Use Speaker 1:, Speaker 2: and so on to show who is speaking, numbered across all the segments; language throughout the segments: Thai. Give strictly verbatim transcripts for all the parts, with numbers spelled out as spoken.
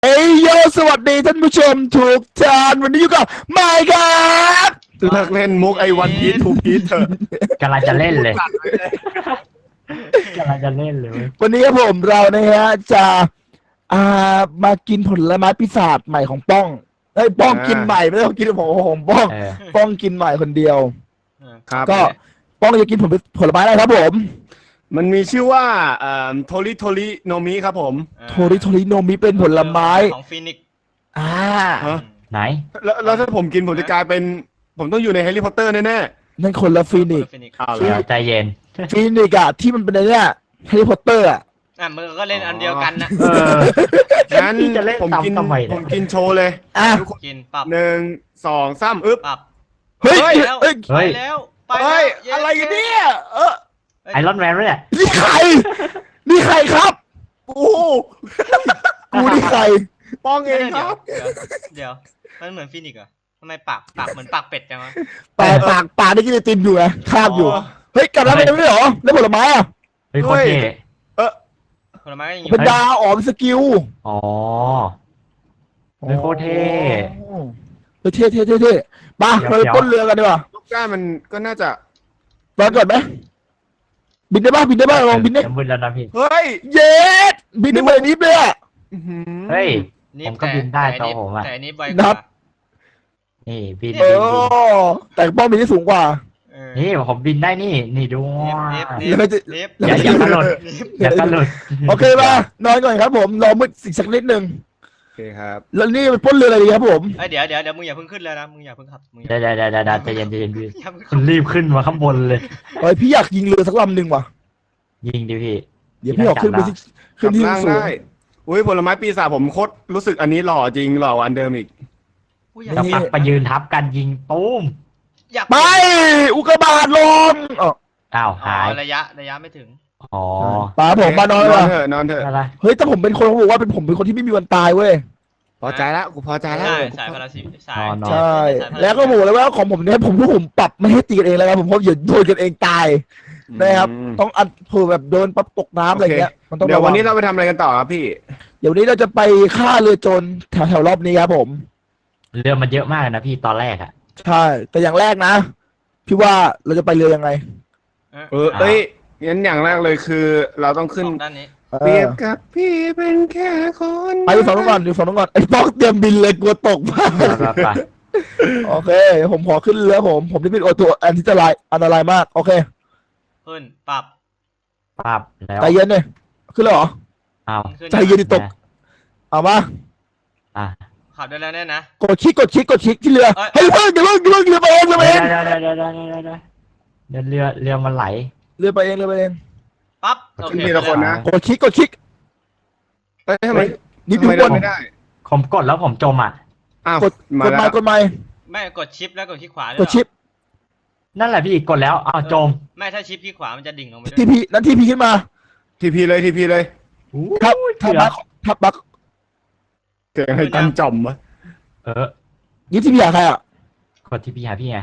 Speaker 1: เอ้ยโยสวัสดีท่านผู้ชมทุกท่านวันนี้อยู่กับไมค์ครับ
Speaker 2: เลิกเล่นมุกไอ้วันพีททูพีทเถอะ
Speaker 3: กำลังจะเล่นเลยกำลังจะเล่นเลย
Speaker 1: วันนี้ครับผมเรานะฮะจะอ่ามากินผลไม้ปีศาจใหม่ของป้องไอ้ยป้องกินใหม่ไม่ต้องกินผมผมป้องป้องกินใหม่คนเดียว
Speaker 2: ครับ
Speaker 1: ก็ป้องจะกินผลผลไม้อะไรครับผม
Speaker 2: มันมีชื่อว่าเอ่อโทริโทริโนมิครับผม
Speaker 1: โทริโทริโนมิเป็นผลไม้
Speaker 4: ของฟินิก
Speaker 1: อ่า
Speaker 3: ไหน
Speaker 2: แล้วแล้วถ้าผมกินผมจะกลายเป็นผมต้องอยู่ในแฮร์รี่พอตเตอร์แน่ๆ
Speaker 1: นั่นคนละฟีนิกซ์
Speaker 3: ใจเย็น
Speaker 1: ฟีนิกซ์อะที่มันเป็นอะไรเนี่ยแฮร์รี่พอตเตอร์อะ
Speaker 4: อ่ะมึงก็เล่นอันเดียวกันนะ
Speaker 3: เออ
Speaker 2: งั้นผมกินผมกินโชว์เลย
Speaker 1: อ่ะ
Speaker 4: กินปรับ
Speaker 2: หนึ่งสองสามอึ๊บ
Speaker 4: ปรับ
Speaker 1: เฮ้ยเฮ้ย
Speaker 4: ไปแล้วไป
Speaker 2: เฮ้ย
Speaker 1: อะไรกันเนี่ยเออ
Speaker 3: ไอรอนแมนเนี่ย
Speaker 1: นี่ใครนี่ใครครับโอ้กูนี่ใคร
Speaker 2: ป้องเองครับ
Speaker 4: เดี๋ยวมันเหมือนฟินิกเหรอทำไมปากปากเหมือนปากเป็ดจังวะ
Speaker 1: ปากปากปากนี่กินไอติมอยู่ไงคาบอยู่เฮ้ยกลับแล้วไม่ได้หรอแล้วผลไม้อ่ะ
Speaker 3: เฮ้ยคนเท่
Speaker 2: เออ
Speaker 4: ผลไม้ก็ยังอยู่
Speaker 1: เป็นดาวอ๋อเป็นสกิล
Speaker 3: อ๋อเฮ้ยโคตรเท่
Speaker 1: เฮ้ยเท่เท่เท่เท่มาเราไปต้นเรือกันดีกว่า
Speaker 2: ลูกก้ามันก็น่าจะ
Speaker 1: รอก่อนไหมบินได้ป่ะบินได้ป่ะลองบินได้
Speaker 3: บินแล้วนะพี่
Speaker 2: เฮ้ย
Speaker 1: เย็ดบินได้เลยนิดเลยอ่ะ
Speaker 3: เฮ้ยผมก็บินได้ตัวผมอ่ะ
Speaker 4: แต่อันนี้ไวกว่า
Speaker 3: นี่บิน
Speaker 1: โอ้แต่ป้องบินได้สูงกว่า
Speaker 3: นี่ผมบินได้นี่นี่ดู
Speaker 1: อย่า
Speaker 3: อย่ากระโดดอย่ากระโดด
Speaker 1: โอเคป่ะนอนก่อนครับผมรอมืดอีกสักนิดนึง
Speaker 2: โอเคครับ
Speaker 1: แล้วนี่เป็นป้นเรืออะไรดีครับผม
Speaker 4: เดี๋ยวเดี๋ยวเดี๋ยวมึงอย่าเพิ่งขึ้นเลยนะมึงอย่าเพิ่งขับ
Speaker 3: ได้ได้ได้ได้ใจเย็นใจเย็นพี่คุณรีบขึ้นมาข้างบนเลย
Speaker 1: เฮ้ยพี่อยากยิงเรือสักลำหนึ่งว่ะ
Speaker 3: ยิงดิพี่
Speaker 1: เดี๋ยวพี่ออกขึ้นไปที่ขึ้นที่สูง
Speaker 2: อุ้ยผลไม้ปีศาจผมโคตรรู้สึกอันนี้หล่อจริงหล่ออันเดิมอีก
Speaker 3: จะปักไปยืนทับกันยิงตุ้ม
Speaker 1: ไปอุกกาบาตลง
Speaker 3: อ้าวหาย
Speaker 4: ระยะระยะไม่ถึง
Speaker 3: อ๋อ
Speaker 1: ป้าผมมานอน
Speaker 2: เถอะนอนเถอะ
Speaker 1: เฮ้ยแต่ผมเป็นคนเขาบอกว่าเป็นผมเป็นคนที่ไม่มีวันตายเว้ย
Speaker 2: พอใจแล้วกูพอใจแล้ว
Speaker 4: สายพาราซิสาย
Speaker 1: ใช่แล้วก็บอกเลยว่าของผมเนี่ยผมผู้ผมปรับไม่ให้ตีกันเองแล้วครับผมเพราะอย่าโดนกันเองตายนะครับต้องอัดเผื่อแบบโดนปั๊บตกน้ำอะไรเงี้ย
Speaker 2: มันต้องเดี๋ยววันนี้เราไปทำอะไรกันต่อครับพี่
Speaker 1: เดี๋ยวนี้เราจะไปฆ่าเรือโจรแถวแถวรอบนี้ครับผม
Speaker 3: เรือมันเยอะมากนะพี่ตอนแรกอะ
Speaker 1: ใช่แต่อย่างแรกนะพี่ว่าเราจะไปเรือยังไง
Speaker 2: เออเอ้ยงั้นอย่างแรกเลยคือเราต้องขึ้น
Speaker 4: ด้านนี้
Speaker 2: เปรียบกับพี่เป็นแค่คน
Speaker 1: ไปดูฝั่งนู้นก่อนดูฝั่งนู้นก่อนไอ้ต้องเตรียมบินเลยกลัวตกมากโอเคผมขอขึ้นเรือผมผมนี่เป็นตัวอันที่อันตรายอันตรายมากโอเค
Speaker 4: ขึ้นปรับ
Speaker 3: ปรับแล้ว
Speaker 1: ใจเย็นเลยขึ้นแล้วเหรอ
Speaker 3: อ้าว
Speaker 1: ใจเย็นดิตกเอามา
Speaker 3: อ่ะ
Speaker 4: ขับได้แล้วแน่นะ
Speaker 1: กดคลิกกดคลิกกดคลิกที่เรือเฮ้ยเพิ่งเดี๋ยวเพิ่งเดี๋ยวเพิ่งเรือไปเองเรือไปเอง
Speaker 3: เดี๋ยวเดี๋ยวเดี๋ยวเดี๋ยวเดี๋ยวเดี๋ยวเรือเรือมันไหล
Speaker 1: เรือไปเองเรือไปเอง
Speaker 4: ปั๊บโอเค
Speaker 2: ทีละคนนะ
Speaker 1: กดคลิกกดคลิก
Speaker 2: เอ้ยทำไม
Speaker 1: นิดเดียว
Speaker 2: ไม่ได้
Speaker 3: ผมกดแล้วผมจมอ่ะ
Speaker 2: อ้าว
Speaker 1: กดกดไม้กดไม้
Speaker 4: ไม่กดชิปแล้วกดคลิกขวาก
Speaker 1: ดชิป
Speaker 3: นั่นแหละพี่กดแล้วอ้าวจม
Speaker 4: ไม่ถ้าชิปคลิกขวามันจะดิ่งลงไป
Speaker 1: ทีพีนั่นทีพีขึ้นมา
Speaker 2: ทีพีเลยทีพีเลย
Speaker 1: ทับทับบักทับบัก
Speaker 2: เกิดอะไรกันจมวะ
Speaker 3: เออ
Speaker 1: ยี่ทีพีหาใครอ่ะ
Speaker 3: กดทีพีหาพี่ไง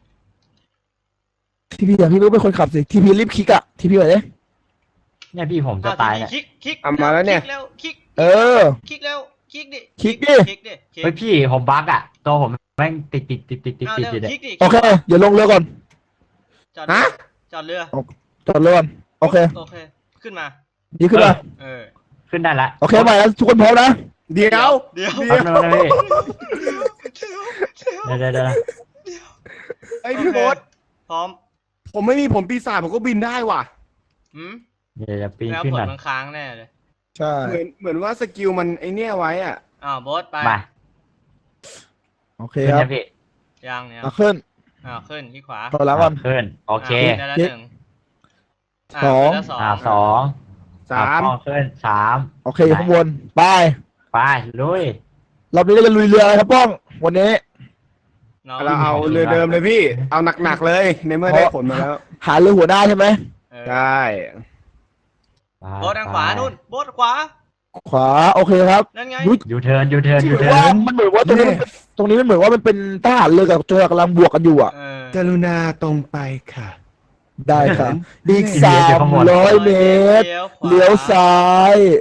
Speaker 1: ทีพีหาพี่รู้เป็นคนขับสิทีพีรีบคลิกอ่ะทีพีอะไรเนี่ย
Speaker 3: เนี่ยพี่ผมจะตายเนี่ย
Speaker 4: คลิกคลิก
Speaker 2: มาแล้วเนี่ย
Speaker 4: คลิก
Speaker 1: เออ
Speaker 4: คลิกแล้วคลิกดิ
Speaker 1: คลิกดิ
Speaker 4: คลิกดิ
Speaker 3: เฮ้ยพี่ผมบั๊กอ่ะตัวผมแม่งติดติดติดติดติดติดติด
Speaker 1: โอเคเดี๋ยวลงเรือก่อน
Speaker 4: จอดจอดเรือ
Speaker 1: จอดเรือก่อนโอเค
Speaker 4: โอเคขึ้นมา
Speaker 1: ดีขึ้นมา
Speaker 4: เออ
Speaker 3: ขึ้นได้ละ
Speaker 1: โอเคไปแล้วทุกคนพร้อมนะ
Speaker 2: เดี๋ยว
Speaker 4: เดี๋ยว
Speaker 3: เดี๋ยวเดี๋ยวเดี๋ยว
Speaker 2: ไอพี่โบ๊ท
Speaker 4: พร้อม
Speaker 2: ผมไม่มีผมปีศาจผมก็บินได้ว่ะ
Speaker 4: อืม
Speaker 3: เดี๋ยวจะปีน
Speaker 4: ขึ้นแล้วผลมันค้างแน่เลย
Speaker 1: ใช่
Speaker 2: เหมือนเหมือนว่าสกิลมันไอเนี้ยไว้อ่ะ
Speaker 4: อ้าวโบ๊ทไป
Speaker 1: โอเคครับ
Speaker 4: ยังเนี่ย
Speaker 1: ขึ้น
Speaker 4: อ้าวขึ้นที่ขวา
Speaker 1: ต่อแล้วก่อน
Speaker 3: ขึ้นโอเค
Speaker 4: หนึ่ง
Speaker 1: สอง
Speaker 3: อ่าสอง
Speaker 2: สาม
Speaker 3: ขึ้นสาม
Speaker 1: โอเคข้างบนไป
Speaker 3: ไปลุย
Speaker 1: รอบนี้เราจะลุยเรืออะไรครับป้องวันนี้
Speaker 2: เราเอาเรือเดิมเลยพี่เอาหนักๆเลยในเมื่อได้ผลมาแล้ว
Speaker 1: หาเรือหัวหน้าใช่ไหม
Speaker 2: ใช่
Speaker 4: โบ๊ททางขวานู่นโบ๊ทขวา
Speaker 1: ขวาโอเคครับ
Speaker 4: นั่นไง
Speaker 3: ยูเทิร์นยูเทิร์นยูเทิ
Speaker 1: ร์นมันเหมือนว่าตรงนี้ตรงนี้มันเหมือนว่ามันเป็นทหารเรือกับโจรกำลังบวกกันอยู่อ่ะ
Speaker 2: กรุณาตรงไปค่ะ
Speaker 1: ได้ครับอีกสามร้อยเมตรเลี้ยวซ้าย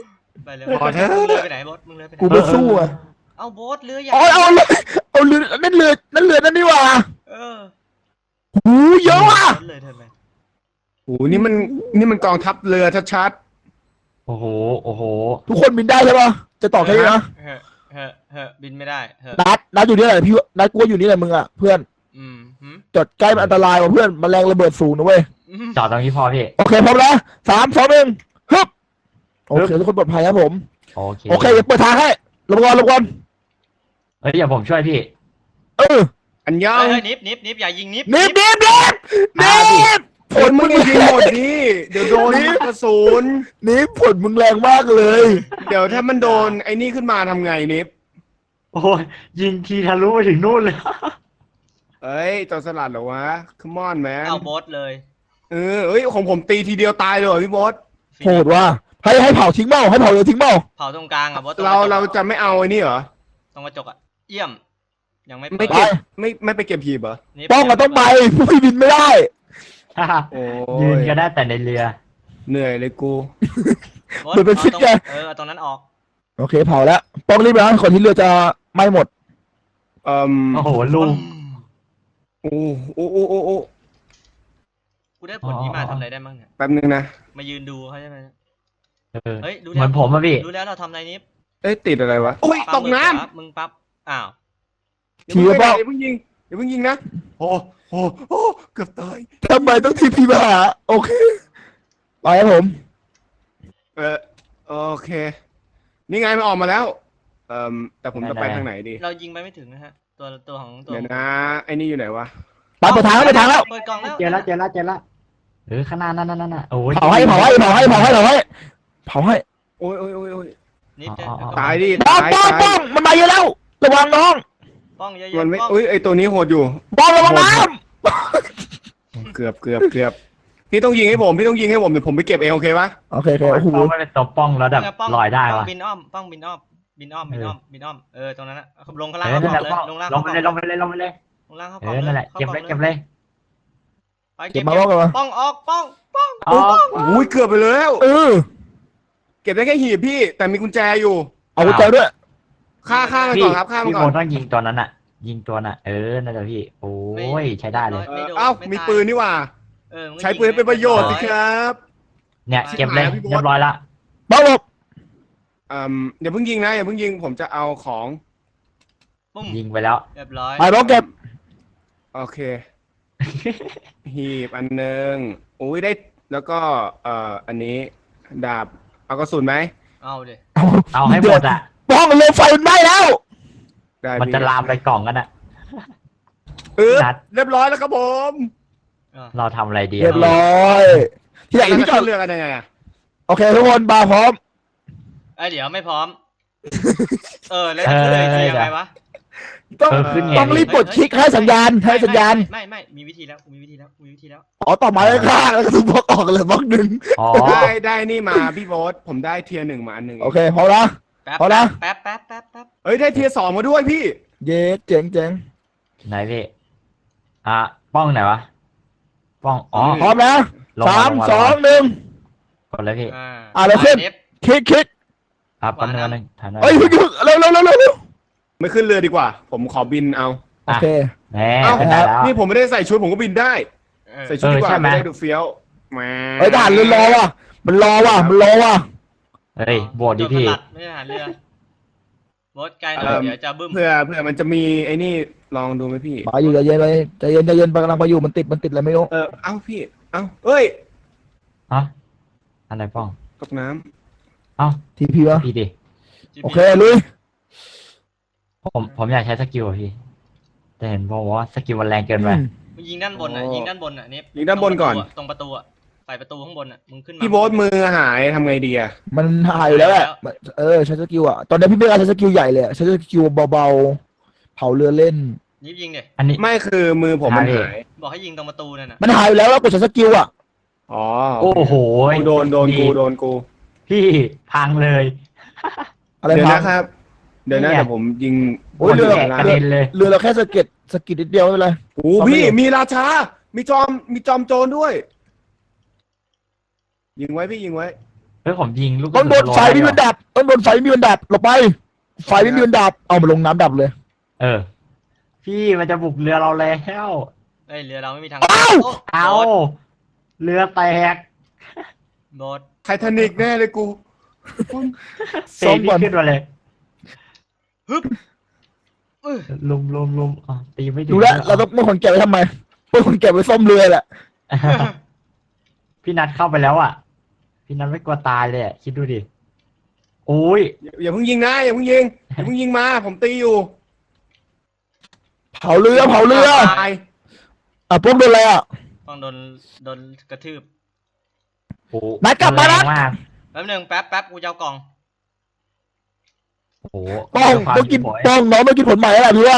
Speaker 4: ไปเร็ว
Speaker 2: พอเถอะ
Speaker 4: มึงเรือไปไหนโบสมึงเรือไปไหน
Speaker 1: กูไม่สู้อ่ะ
Speaker 4: เอาโบสเรือใหญ่
Speaker 1: อ๋อเอาเลยเอาเรือนั่นเรือนั่นเรือนั่นนี่หว่า
Speaker 4: เออ
Speaker 1: หูเยอะว่ะ
Speaker 4: โบสเลยเธอไหม
Speaker 2: โอ้โหนี่มันนี่มันกองทัพเรือชัด
Speaker 3: โอ้โหโอ้โห
Speaker 1: ทุกคนบินได้ใช่ปะจะต่อแค่นี้นะ
Speaker 4: เฮ้เฮ้เฮ้บินไม่ได้เฮ้
Speaker 1: นัดนัดอยู่นี่แหละพี่นัดกูว่าอยู่นี่แหละมึงอ่ะเพื่อน
Speaker 4: อืมหืม
Speaker 1: จอดใกล้มันอันตรายว่ะเพื่อนแมลงระเบิดสูงนะเว้ย
Speaker 4: อืม
Speaker 3: จอดตรงนี้พอพี่
Speaker 1: โอเคพร้อมแล้วสามสองหนึ่งฮึบโอเคทุกคนปลอดภัยครับผม
Speaker 3: โอเค
Speaker 1: โอเคเดี๋ยวเปิดทางให้ลงก่อนลงก่อน
Speaker 3: เฮ้ยเดี๋ยวผมช่วยพี่
Speaker 1: เออ
Speaker 2: ๆ อันยอ
Speaker 4: เฮ้
Speaker 2: ง
Speaker 4: ยเฮ้ยนิบนิบนิบอย่ายิงนิบ
Speaker 1: นิบนิบนิบนิบผ
Speaker 2: ผ
Speaker 1: ล
Speaker 2: ล
Speaker 1: มึ
Speaker 2: มึ
Speaker 1: ง
Speaker 2: งยิงหมดดิเดี๋ยวโดนกระสุน
Speaker 1: นิบผลมึงแรงมากเลย
Speaker 2: เดี๋ยวถ้ามันโดนไอ้นี่ขึ้นมาทำไงนิฟ
Speaker 3: โอ้ยยิงทีทะลุไปถึงนู่นเลย
Speaker 2: เอ้ยจอสลัดเหรอวะ come on man
Speaker 4: เอาโบสเลย
Speaker 2: เออเอ้ยของผมตีทีเดียวตายเลยเหรอพี่บอส
Speaker 1: โหดว่ะให้ให้เผาทิ้งเบ้าให้เผาเลยทิ้งเบ้า
Speaker 4: เผาตรงกลางอ่ะโบสตง
Speaker 2: เรา
Speaker 4: กะจก
Speaker 2: เราจะไม่เอาไอ้นี่เหรอ
Speaker 4: ตรงกระจกอ่ะเยี่ยม ยังไม่
Speaker 2: ไม่
Speaker 4: เปิด
Speaker 2: เก็บไม่ไม่ไปเก็บหีบเหรอ
Speaker 4: นิบ
Speaker 1: ต้องอะต้องไปผู้พี่บินไม่ได้
Speaker 2: โอ้
Speaker 3: ยืน
Speaker 2: ย
Speaker 3: ก็ได้แต่ในเรือ
Speaker 2: เหนื่อยเลยกู
Speaker 4: โบ๊ท
Speaker 1: เหมือนเป็นฟิต
Speaker 4: อาตรง
Speaker 1: ไง
Speaker 4: เออเอาตรงนั้นออก
Speaker 1: โอเคเผาแล้วป้องรีบไปนะก่อนที่เรือจะไหม้หมด
Speaker 2: เอ่ม
Speaker 3: โอ้โหลุง
Speaker 2: โอ้โอ้โอ้โอ้โอ้
Speaker 4: กูได้ผลนี้มาทำอะไรได้บ้างเนี่ย
Speaker 2: แป๊บนึงนะ
Speaker 4: มายืนดูเขาใช่ไหม
Speaker 3: เออ
Speaker 4: เฮ้ยดู
Speaker 3: เห
Speaker 4: แล้
Speaker 3: มื
Speaker 4: ว
Speaker 3: อนผมอะพี่
Speaker 4: ดูแล้วเราทำอะไรนิฟ
Speaker 2: เอ้ยติดอะไรวะโอ้ย
Speaker 4: ปั๊
Speaker 2: ต
Speaker 4: ม
Speaker 2: ก
Speaker 4: มือ
Speaker 2: น้
Speaker 4: ขวามึงปั๊บอ้าว
Speaker 2: ำอย่าเพิ่งไปไหนอย่าเพิ่งยิงอย่าเพิ่งยิงนะโอ้โอ้โอ้เกือบตาย
Speaker 1: ทำไมต้องทีพีมาหาโอเคไปครับผม
Speaker 2: เออโอเค นี่ไงมันออกมาแล้ว เอ่มแต่ผมจะไปทางไหนดี
Speaker 4: เรายิงไปไม่ถึงนะฮะ ตัวตัวของตัว
Speaker 2: เดี๋ยวนะไอ้นี่อยู่ไหนวะ
Speaker 1: ไปเปิดทางแล้วเปิดทางแล้ว
Speaker 4: เปิดกล่องแล้ว
Speaker 3: เจอแล้วเจอแล้วเจอแล้วเออข้างหน้านั่นนั่นนั่นโอ้ย
Speaker 1: เผาให้เผาให้เผาให้เผาให้เผาให้เผาให้
Speaker 2: โอ้ยโอ้ยโอ้ยโอ้ย
Speaker 4: นิฟเจอ
Speaker 2: ตายดิ
Speaker 1: ป้อง
Speaker 2: ตาย
Speaker 1: ป้อง
Speaker 2: ตา
Speaker 1: ป้อย งมันมาเยอะแล้วระวังน้อง
Speaker 4: ป้องเยอะ
Speaker 2: มัน
Speaker 4: ๆ
Speaker 2: ไม่
Speaker 4: ป้อง
Speaker 2: เอ้ยไอตัวนี้โหดอยู่
Speaker 1: ป้องระวังน้
Speaker 2: เกือบเกือบเกือบพี่ต้องยิงให้ผมพี่ต้องยิงให้ผมเดี๋ยวผมไปเก็บเองโอเคปะ
Speaker 1: ำโอเคโอเคโอ้โห
Speaker 3: ป้องไม่เป็นตัวป้องแล้วแบบ
Speaker 4: เนี่ยป้อง
Speaker 3: ลอยได้
Speaker 4: ป้อง
Speaker 3: วะ
Speaker 4: บินอ้อมป้องบินอ้อมบินอ้อมบินอ้อมบินอ้อมเออตรงนั้นนะลงข้าง
Speaker 3: เอ
Speaker 4: ล่าง
Speaker 3: อนั่นแหละ
Speaker 4: เลย
Speaker 3: ป้อง
Speaker 4: ลงล่าง
Speaker 3: ลงไปเลยลงไปเลยลงไปเลย
Speaker 4: ลงล่างเข้า
Speaker 3: เอก
Speaker 4: ล่อง
Speaker 3: อนั่นแหละเก็บเลยเก็บเลย
Speaker 4: ไป
Speaker 1: เก็บมาป้องกันมา
Speaker 4: ป้องออกป้องป้อง
Speaker 3: อ๋อ
Speaker 2: อุ้ยเกือบไปแล้ว
Speaker 1: เออ
Speaker 2: เก็บได้แค่หีบพี่ แต่มีกุญแจอยู่
Speaker 1: เอากุญแจด้วย
Speaker 2: ฆ่าฆ่ามัน
Speaker 3: พี่
Speaker 2: ก่อนครับฆ่ามัน
Speaker 3: พี่
Speaker 2: ก่
Speaker 3: โม
Speaker 2: อน
Speaker 3: ต้องยิงตัวนั้นอ่ะ ยิงตัวน่ะเออนั่นแหละพี่โอ้ยใช้ได้เลย
Speaker 2: เออเอ้ามีปืนนี่หว่า
Speaker 4: เออมึงก็
Speaker 2: ใช้ปืนให้เป็นประโยชน์สิครับ
Speaker 3: เนี่ยเก็บเลย
Speaker 2: ชิบหายแล้วพี่โบ๊ท
Speaker 3: เรียบร้อยละ
Speaker 1: ป้องหลบ
Speaker 2: อืมเดี๋ยวเพิ่งยิงนะอย่าเพิ่งยิงผมจะเอาของ
Speaker 4: ปุ้ม
Speaker 3: ยิงไปแล้ว
Speaker 4: เรียบร้อย
Speaker 1: ไปป้องเก็บ
Speaker 2: โอเค หีบอันหนึ่งอุ้ยได้แล้วก็เอ่ออันนี้ดาบเอากระสุนไหม
Speaker 4: เอาดิ
Speaker 1: เอา
Speaker 3: เอาให้หมดอ่ะ
Speaker 1: ป้องเรือไฟมันไหม้แล้ว
Speaker 2: ได้
Speaker 3: มัน
Speaker 2: พี่
Speaker 3: จะลามไปกล่องกันอ่ะ
Speaker 2: เออ
Speaker 3: นัด
Speaker 2: เรียบร้อยแล้วครับผม
Speaker 4: เออ
Speaker 3: เราทำอะไรดี
Speaker 1: เรียบร้อยที่ไหน
Speaker 2: แล้ว
Speaker 1: พี่
Speaker 2: จะ
Speaker 1: จอด
Speaker 2: เรือกันยังไงอะ
Speaker 1: โอเคทุกคนบาร์พร้อม
Speaker 4: ไอยเดี๋ยวไม่พร้อม เออแล้วจะเลยทียังไงวะ
Speaker 1: ต้อง
Speaker 3: เออขึ้นไง
Speaker 1: ต้องรีบกดคลิกให้สัญญาณให้สัญญาณ
Speaker 4: ไม่ไม่ไม่มีวิธีแล้วมีวิธีแล้วมีวิธีแล้ว
Speaker 1: อ๋อต่อมาเลยค่ะแล้วก็ถูกบล็อกออกเลยบล็อกหนึ่ง
Speaker 3: อ๋อ
Speaker 2: ได้ได้นี่มาพี่โบ๊ทผมได้เทียร์หนึ่งมาอันหนึ่ง
Speaker 1: โอเคพอละ
Speaker 4: แป๊บ
Speaker 1: เอาละ
Speaker 4: แป๊บแป๊บแป๊บแป๊บ
Speaker 2: เอ้ยได้เทียร์สองมาด้วยพี่
Speaker 1: เย้เจ๋งเจ๋ง
Speaker 3: ไหนพี่อ่ะป้องไหนวะป้องอ๋อ
Speaker 1: พร้อมนะ
Speaker 3: ลง
Speaker 1: สาม
Speaker 3: ลง
Speaker 1: สองหนึ่ง
Speaker 3: กดเลยพี่
Speaker 4: อ่า
Speaker 1: อ่ะเราขึ้น
Speaker 4: เฟ
Speaker 1: คลิกคลิก
Speaker 3: อ่ะแป๊บนึงแป๊บนึงทันไหม
Speaker 1: เอ้ยเพิ่งหยุดเร็วเร็วเร็วเร็วเร็ว
Speaker 2: ไม่ขึ้นเรือดีกว่า ผมขอบินเอา
Speaker 1: โอเค
Speaker 3: แหม
Speaker 2: เอ้า
Speaker 3: เป็นได้แล้ว
Speaker 2: นี่ผมไม่ได้ใส่ชุดผมก็บินได้
Speaker 4: เออ
Speaker 2: ใส่ชุดดีกว่า
Speaker 3: เออใช่ไหม
Speaker 2: ไม่ได้ดูเฟี้ยวแหม
Speaker 1: เอ้ยทหารเรือรอว่ะมันรอว่ะมันรอว่ะ
Speaker 3: เฮ้ยโบดดิพี่
Speaker 4: โดนสลัไม่ใช่ทหารเรือโบสไกลหน่อยเดี๋ยวจะบึ้ม
Speaker 2: เพื่อเพื่อมันจะมีไอ้นี่ลองดูไหมพี่
Speaker 1: มาอยู่ใจเย็นเลยใจเย็นใจเย็นกำลังไปอยู่มันติดมันติดอะไรไม่รู้
Speaker 2: เออเอ้าพี่ เอ้าเอ้ย
Speaker 3: ฮะอะไรป้อง
Speaker 2: ตกน้
Speaker 3: เอ้า
Speaker 1: ทีพีวะ
Speaker 3: พี่ดิ
Speaker 1: โอเคลุย
Speaker 3: ผมผมอยากใช้สกิลอะพี่ แต่เห็นบอกว่าสกิลมันแรงเกินไป
Speaker 4: มึงยิงด้านบนอ่ะยิงด้านบนอ่ะนี่
Speaker 2: ำยิงด้านบนก่อน
Speaker 4: ตรงประตูอ่ะใส่ประตูข้างบนอ่ะมึงขึ้นมา
Speaker 2: พี่โบ๊ทมือหายทำไงดีอะ
Speaker 1: มันหายอยู่แล้วแหละเออใช้สกิลอ่ะตอนนี้พี่ไม่กล้าใช้สกิลใหญ่เลยอะใช้สกิลเบาๆเผาเรือเล่น
Speaker 4: ยิงยิงดิ
Speaker 3: อันนี้
Speaker 2: ไม่คือมือผมมันหาย
Speaker 4: บอกให้ยิงตรงประตูนั่นน่ะ
Speaker 1: มันหายอยู่แล้วแล้วกดใช้สกิลอ่ะ
Speaker 2: อ๋อ
Speaker 3: โอ้โห
Speaker 2: กูโดนโดนกูโดนกู
Speaker 3: พี่พังเลย
Speaker 1: อะไร
Speaker 2: เดี๋ยว
Speaker 1: พัง
Speaker 2: นะครับ เดี๋ยวนะ
Speaker 3: เนี่ย
Speaker 2: เดี๋ยวผมยิง
Speaker 1: โอ้ยเรือ
Speaker 3: แกะกระเด็นเลย
Speaker 1: เรือเราแค่สะเก็ดสะกิดนิดเดียวไม่เป็นไร
Speaker 2: โอ้พี่มีราชา มีจอมมีจอมโจรด้วย ยิงไว้พี่ยิงไว้
Speaker 3: เฮ้ยผมยิงลูก
Speaker 1: ต้องโดนไฟไม่มีวันดับต้องโดนไฟไม่มีวันดับหลบไปไฟไม่มีวันดับเอามาลงน้ำดับเลย
Speaker 3: เออ พี่มันจะบุกเรือเราแล้ว
Speaker 4: เอ้ยเรือเราไม่มีทาง
Speaker 1: อ้าว
Speaker 4: โอ้
Speaker 3: เอา
Speaker 4: โบ๊ท
Speaker 3: เรือแตก
Speaker 4: โบ๊ท
Speaker 2: ไททานิกแน่เลยกู
Speaker 3: เตะพี่ขึ้นมาเลย
Speaker 4: ฮึบอื้อ
Speaker 3: ลุมลุมลุมอ๋อตีไม่ถึง
Speaker 1: ดูแลวเราต้องเป็นคนเก็บไว้ทำไมเป็นคนเก็บไว้ซ่อมเรือแหละ
Speaker 3: พี่นัทเข้าไปแล้วอ่ะ พี่นัทไม่กลัวตายเลยอ่ะคิดดูดิโอ้ย
Speaker 2: อย่าอย่าเพิ่งยิงนะอย่าเพิ่งยิงอย่าเพิ่งยิงมาผมตีอยู่
Speaker 1: เผาเรือเผาเรือ
Speaker 2: ตาย
Speaker 1: อ่ะพวกโดนอะไรอ่ะ
Speaker 4: ต้องโดนโดนกระทืบ
Speaker 3: โอ้
Speaker 1: นัทกลับมานัท
Speaker 3: แรงมาก
Speaker 4: แป๊บหนึงแป๊บแป๊บกูจะเอากล่อง
Speaker 3: โอ้โห
Speaker 1: ป้อง
Speaker 3: ด้วยความ
Speaker 1: ต้องกิน
Speaker 3: หิวโหย
Speaker 1: ป้องน้องต้องกินผลใหม่แล้วล่ะพี่ว่า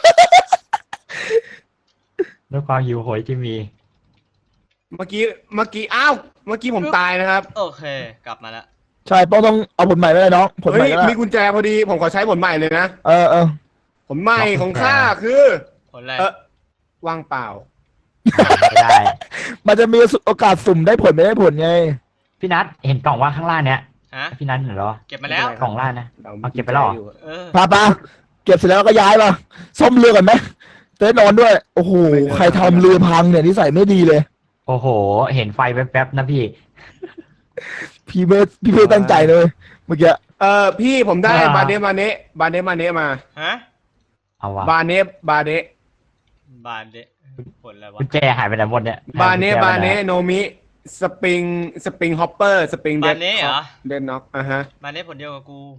Speaker 3: ด้วยความหิวโหยที่มี
Speaker 2: เมื่อกี้เมื่อกี้อ้าวเมื่อกี้ผมตายนะครับ
Speaker 4: โอเค กลับมาแล้ว
Speaker 1: ใช่ป้องต้องเอาผลใหม่ไปเลยน้องผลให
Speaker 2: เฮ้
Speaker 1: ม่
Speaker 2: ย
Speaker 1: ก็ได้
Speaker 2: มีกุญแจพอดีผมขอใช้ผลใหม่เลยนะ
Speaker 1: เออเออ
Speaker 2: ผลใหม่ของข้าคือ
Speaker 4: ผลอะไร
Speaker 2: เออว่างเปล่า
Speaker 3: ไม่ได้
Speaker 1: มันจะมีโอกาสสุ่มได้ผลไม่ได้ผลไง
Speaker 3: พี่นัทเห็นกล่องว่าข้างล่างเนี้ย
Speaker 4: ฮะ
Speaker 3: พี่นัทเห็นเหรอ
Speaker 4: เก็บมาแล้ว
Speaker 3: กล่องล่างนะ
Speaker 2: เรา
Speaker 3: เอาเก็บไปแล้วเหรอ
Speaker 2: อยู่
Speaker 4: เออ
Speaker 1: พาปาเก็บเสร็จแล้วก็ย้ายมาซ่อมเรือก่อนไหมจะได้นอนด้วย โอ้โหใครทำเรือพังเนี่ยนิสัยไม่ดีเลย
Speaker 3: โอ้โห เห็นไฟแป๊บๆนะพี่
Speaker 1: พี่เบิร์ดพี่เบิร์ดตั้งใจเลยเมื่อกี้
Speaker 2: เออพี่ผมได้
Speaker 3: อ่า
Speaker 2: บาเนบาเนบาเนบาเนมา
Speaker 4: ฮะ
Speaker 3: เอาวะ
Speaker 2: บาเนบาเน
Speaker 4: บานเดะผลอะไรวะ
Speaker 3: กุญแจหายไปไหนหมดเนี่ย
Speaker 2: บาเน
Speaker 3: หยกุญแจ
Speaker 2: บา
Speaker 3: ไป
Speaker 2: เน
Speaker 3: ไห
Speaker 2: โนมิสปริงสปริงฮอปเปอร์สปริงเด
Speaker 4: บา
Speaker 2: ด
Speaker 4: นเน่เหรอ
Speaker 2: เดดน็อกอ่ะฮะ
Speaker 4: บานเน่ผลเดียวกับกู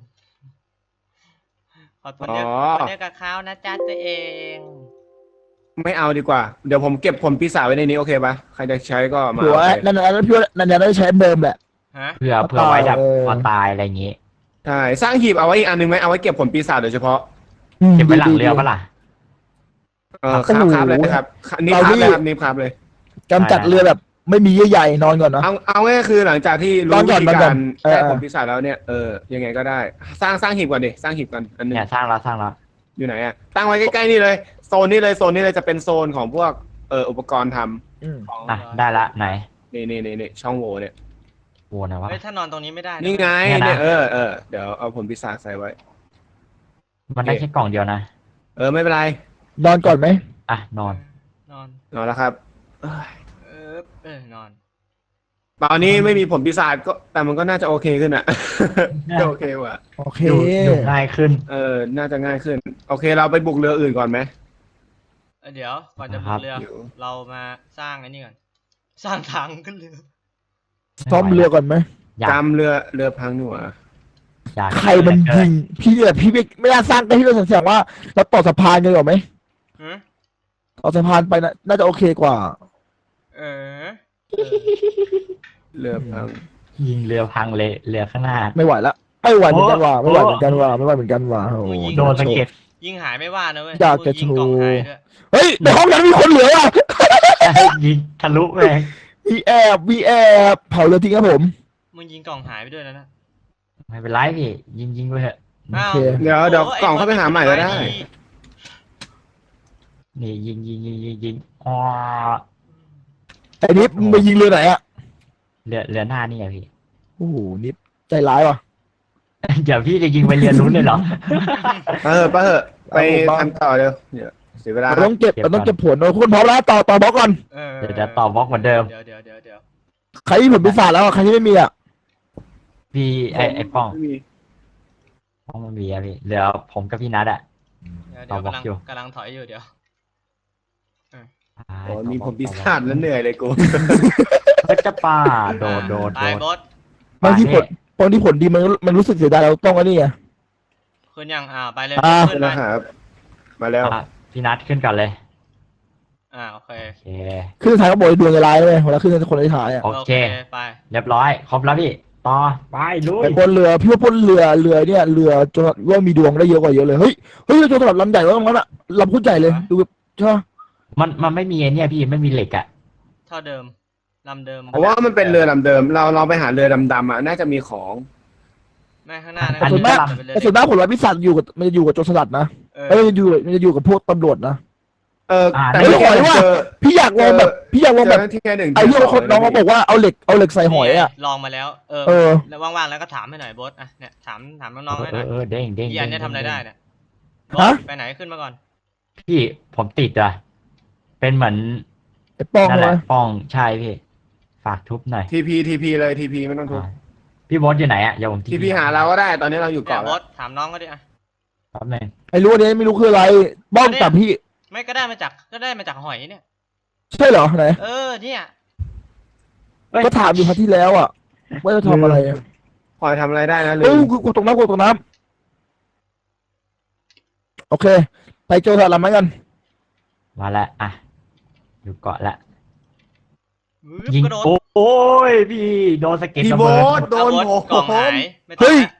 Speaker 4: ขอผลเดียว
Speaker 2: อ๋อ
Speaker 4: ผลเดียวกับเขานะจ๊ะตัวเอง
Speaker 2: ไม่เอาดีกว่า เดี๋ยวผมเก็บผลปีศาจไว้ในนี้โอเคปะใครจะใช้ก็มา
Speaker 1: หัว
Speaker 2: เอาไป
Speaker 1: นั่นนั่นพี่ว่านั่นนั่นได้ใช้เดิมแหละ
Speaker 4: ฮะ
Speaker 3: เพื่อเพื่อไว้แบบ
Speaker 1: เออ
Speaker 3: พอตายอะไรอย่างงี้
Speaker 2: ใช่สร้างหีบเอาไว้อีกอันหนึงไหมเอาไว้เก็บผลปีศาจโดยเฉพาะ
Speaker 3: เก็บไว้หลังเรือปะล่ะ
Speaker 2: เออครับครับเลยนะครับนี่ครับเลยครับนี่ครับเลย
Speaker 1: กำจัดเรือแบบไม่มีเยื่อใยนอนก่อนเนาะ
Speaker 2: เอาเอาง่ายๆคือหลังจากที่
Speaker 1: น
Speaker 2: รู้
Speaker 1: อนก่
Speaker 2: วิ
Speaker 1: อน
Speaker 2: ธี
Speaker 1: นอนก่
Speaker 2: กา
Speaker 1: อน
Speaker 2: ร
Speaker 1: เออ
Speaker 2: แก้ผลปีศาจแล้วเนี่ยเออยังไงก็ได้ สร้างสร้างหีบก่อนดิสร้างหีบก่อนอันหนึง
Speaker 3: เนี่ยสร้างแล้วสร้างแล้ว
Speaker 2: อยู่ไหนอะตั้งไว้ใกล้ๆนี่เลยโซนนี้เลยโซนนี้เลยจะเป็นโซนของพวกเอออุปกรณ์ทำ
Speaker 1: อืม
Speaker 3: อ่ะได้ละไหน
Speaker 2: นี่นี่นี่นี่ช่องโหว่เนี่ย
Speaker 3: โวนนะวะ
Speaker 4: เฮ้ยถ้านอนตรงนี้ไม่ได้ะ
Speaker 2: นี่ไง
Speaker 3: เนี่ยนะ
Speaker 2: เนี่ยเออเออเดี๋ยวเอาผลปีศาจใส่ไว้
Speaker 3: มันได้แค่กล่องเดียวนะ
Speaker 2: เออไม่เป็นไร
Speaker 1: นอนก่อนไหม
Speaker 3: อ่ะนอน
Speaker 4: นอน
Speaker 2: นอนแล้วครับเอ้ย
Speaker 4: เออเออนอน
Speaker 2: ตอนนี้ไม่มีผลปีศาจก็แต่มันก็น่าจะโอเคขึ้นอะ ก็โอเคว่ะ
Speaker 1: โอเค
Speaker 3: อยู่อยู่ง่ายขึ้น
Speaker 2: เออน่าจะง่ายขึ้น โอเคเราไปบุกเรืออื่นก่อนไหม
Speaker 4: เอ้ยเดี๋ยวก่อนจะ
Speaker 3: ค
Speaker 4: บุ
Speaker 3: รั
Speaker 4: ก
Speaker 3: บ
Speaker 4: เรือ
Speaker 2: เดี๋ยว
Speaker 4: เรามาสร้างไอ้นี่ก่อนสร้างทางขึ้นเรือ
Speaker 1: ซ่อมเรือก่อนไหม
Speaker 3: อยาก
Speaker 2: จำเรือเรือพังหนูอ่ะ
Speaker 3: อยาก
Speaker 1: ใครมันยิงพี่เนี่ยพี่ไม่ไม่น่าสร้างได้พี่เราเสียงว่าเราต่อสะพานกันหรอไหม
Speaker 4: หือ
Speaker 1: ต่อสะพานไปนะน่าจะโอเคกว่า
Speaker 4: เออ
Speaker 2: เรือพัง
Speaker 3: ยิงเรือพังเลยเรือข้างหน้า
Speaker 1: ไม่ไหวละไม่ไหวเหมือนกันว่ะ
Speaker 3: โอ้
Speaker 1: ไม่ไหวเหมือนกันว่ะไม่ไหวเหมือนกันว่ะโอ้โห
Speaker 3: โดนสะเก็ด
Speaker 4: ยิงหายไม่ว่านะเว้ย
Speaker 1: อยากจะ
Speaker 4: ยิงกล่อง
Speaker 1: โชว์
Speaker 4: หายด้วย
Speaker 1: เฮ้ยในห้องนั้นมีคนเหลืออ่ะ
Speaker 3: ยิงทะลุไป
Speaker 1: มีแอบมีแอบเผาเรือทิ้งครับผม
Speaker 4: มึงยิงกล่องหายไปด้วยแล้วนะ
Speaker 3: ไม่เป็นไรพี่ยิงยิงไปเถอะ
Speaker 1: โอ
Speaker 4: อ้าว
Speaker 1: เค
Speaker 2: เดี๋ยวเดี๋ยว
Speaker 4: โอ้
Speaker 2: กล่องเข้าไปหาใหม่ก็ได้
Speaker 3: นี่ยิงยิงยิงยิงยิงอ๋อ
Speaker 1: ไอ้นิฟมึงไปยิงเรือไหนอ่ะ
Speaker 3: เรือเรือหน้านี่อะพี่
Speaker 1: โอ้โหนิฟใจร้ายว่ะ
Speaker 3: เดี๋ยวพี่จะยิงไปเรือนู้นเลยเหรอ
Speaker 2: เออไปเถอะไป
Speaker 1: เอาผมบ้าง
Speaker 2: ทำต่อเดี๋ยวเดี๋ยวเสียเวลา
Speaker 1: เราต้องเก็บ
Speaker 3: เก็บ
Speaker 1: เราต้อง
Speaker 3: ก่อน
Speaker 1: เก็บผลเราคุณพร้อมแล้วต่อต่อบล็อกก่อน
Speaker 4: เออ
Speaker 3: เดี๋ยวจะต่อบล็อกเหมือนเดิม
Speaker 4: เดี๋ยวเดี๋ยวเดี๋ยวเดี๋ยว
Speaker 1: ใครที่ผลพิศาจแล้วอ่ะใครที่ไม่มีอ่ะ
Speaker 3: พี่ไอไอป้อง
Speaker 2: ไม่มี
Speaker 3: ป้องมันมีอะพี่เหลือผมกับพี่นัทอะ
Speaker 4: เดี๋ยว
Speaker 3: ต่
Speaker 4: เดี๋ยว
Speaker 3: อบล็อก
Speaker 4: กำลัง
Speaker 3: อยู่
Speaker 4: กำลังถอยอยู่เดี๋ยว
Speaker 2: โอ้มีผมปีศาจแล้วเหนื่อยเลยกู
Speaker 3: ก็จะป่าโดดโดด
Speaker 4: ไป
Speaker 3: โดด
Speaker 4: บอส
Speaker 1: บางที่ผลบางที่ผลดีมันมันรู้สึกเสียดายเราต้องอันนี้ไง
Speaker 4: ขึ้นยังอ่าไปเลย
Speaker 1: อ่า
Speaker 4: ขึ้น
Speaker 2: นะ
Speaker 4: มา
Speaker 2: ครับมาแล้ว
Speaker 3: อ่ะพี่นัทขึ้นก่อนเลย
Speaker 4: อ่าโอเค
Speaker 3: โอเค
Speaker 1: ขึ้นท้ายก็บอกดวงจะร้ายเลยเวลาขึ้นคนที่ท้ายอ่ะ
Speaker 3: โอเค
Speaker 4: ไป
Speaker 3: เรียบร้อยครบแล้วพี่ต่อไปลุย
Speaker 1: ไปบนเรือพี่ว่าบนเรือเรือเนี่ยเรือจนว่ามีดวงได้เยอะกว่าเยอะเลยเฮ้ยเฮ้ยจนสำหรับลำใหญ่ว่าตรงนั้นอะลำพูดใหญ่เลยดูแบบใช่ปะ
Speaker 3: มันมันไม่มีไอ้เนี่ยพี่ไม่มีเหล็กอะ
Speaker 4: เท่าเดิมลำเดิม
Speaker 2: เพราะว่ามันเป็นเรือลำเดิม เราเราไปหาเรือดำๆอ่ะน่าจะมีของ
Speaker 4: ไม่ข้างหน้านะ
Speaker 1: แต่ส่วนมาก
Speaker 4: เป็นเรือ
Speaker 1: แต่ส่วนมากผลลัพธ์พิศาจอยู่กับมันจะอยู่กับโจรสลัดนะ
Speaker 4: เออ
Speaker 1: เอ้ยมันจะอยู่มันจะอยู่กับพวกตำรวจนะ
Speaker 2: เออ
Speaker 3: อ่า
Speaker 2: แต่
Speaker 1: เฮ้ย
Speaker 2: ไม่
Speaker 1: หอยว่ะ
Speaker 2: เจอ
Speaker 1: พี่อยากลองแบบพี่อยากลอง
Speaker 2: เจ
Speaker 1: แบ
Speaker 2: อบ ที่แค่หนึ่ง
Speaker 1: ไอ้ที่คนน้องเขาบอกว่าเอาเหล็กเอาเหล็กใส่หอยอ่ะ
Speaker 4: นี่ไงลองมาแล้ว เออ
Speaker 1: เออ
Speaker 4: แล้วว่างๆแล้วก็ถามให้หน่อยโบสอ่ะเนี่ยถามถามน้องๆให้
Speaker 3: เอ
Speaker 4: หน่
Speaker 3: อ
Speaker 4: อย
Speaker 3: เออเด้งเด้ง
Speaker 4: อีอันเนี่ยทำอะไรได้เนี่ยโบ๊
Speaker 1: ฮะ
Speaker 4: ทไปไหนขึ้นมาก่อน
Speaker 3: พี่ผมติดอ่ะเป็นเหมือน
Speaker 1: ไอ้ป้อง
Speaker 3: นั่นแห
Speaker 1: เล
Speaker 3: ละ
Speaker 1: ย
Speaker 3: ป้องใช่พี่ฝากทุบหน่อย
Speaker 2: ทีพีทีพีเลยทีพีไม่ต้องทุบ
Speaker 3: อ่าพี่บอสอยู่ไหนอ่ะเดี๋ยวผม
Speaker 2: ทีพีหาเราก็ได้ ตอนนี้เราอยู่
Speaker 4: เนี่ย
Speaker 2: เกาะ
Speaker 4: โบ
Speaker 2: แล้ว
Speaker 4: สถามน้องก็ดิอ่ะ
Speaker 3: แป๊บนึง
Speaker 1: ไอ้รู้อันนี้ไม่รู้คืออะไรป้องจับพี่
Speaker 4: ไม่ก็ได้มาจากก็ได้มาจากหอยเนี่ย
Speaker 1: ใช่เหรอไหน
Speaker 4: เออเนี่ย
Speaker 3: เอ้ย
Speaker 1: ก็ถามอยู่ครั้งที่แล้วอ่ะว่าจะทำอะไรอะ
Speaker 2: พอยทำอะไรได้นะลื
Speaker 1: เอ้ย
Speaker 2: ม
Speaker 1: กูกูตรงน้ำกูตรงน้ำโอเค ไปโจทย์อะไรมากัน
Speaker 3: มาแล้วอ่ะอยู่เกาะละ
Speaker 4: วืบ
Speaker 3: ยิง
Speaker 4: กระโดด
Speaker 3: โอ้ยพี่โดนสะเก็ด
Speaker 2: พี่
Speaker 3: ระ
Speaker 2: โบ
Speaker 3: เบิด
Speaker 2: สโดน
Speaker 4: อ่ะ
Speaker 2: ผ
Speaker 4: โบ๊ทกล่อง
Speaker 2: ม
Speaker 4: หายไม่ต้องละ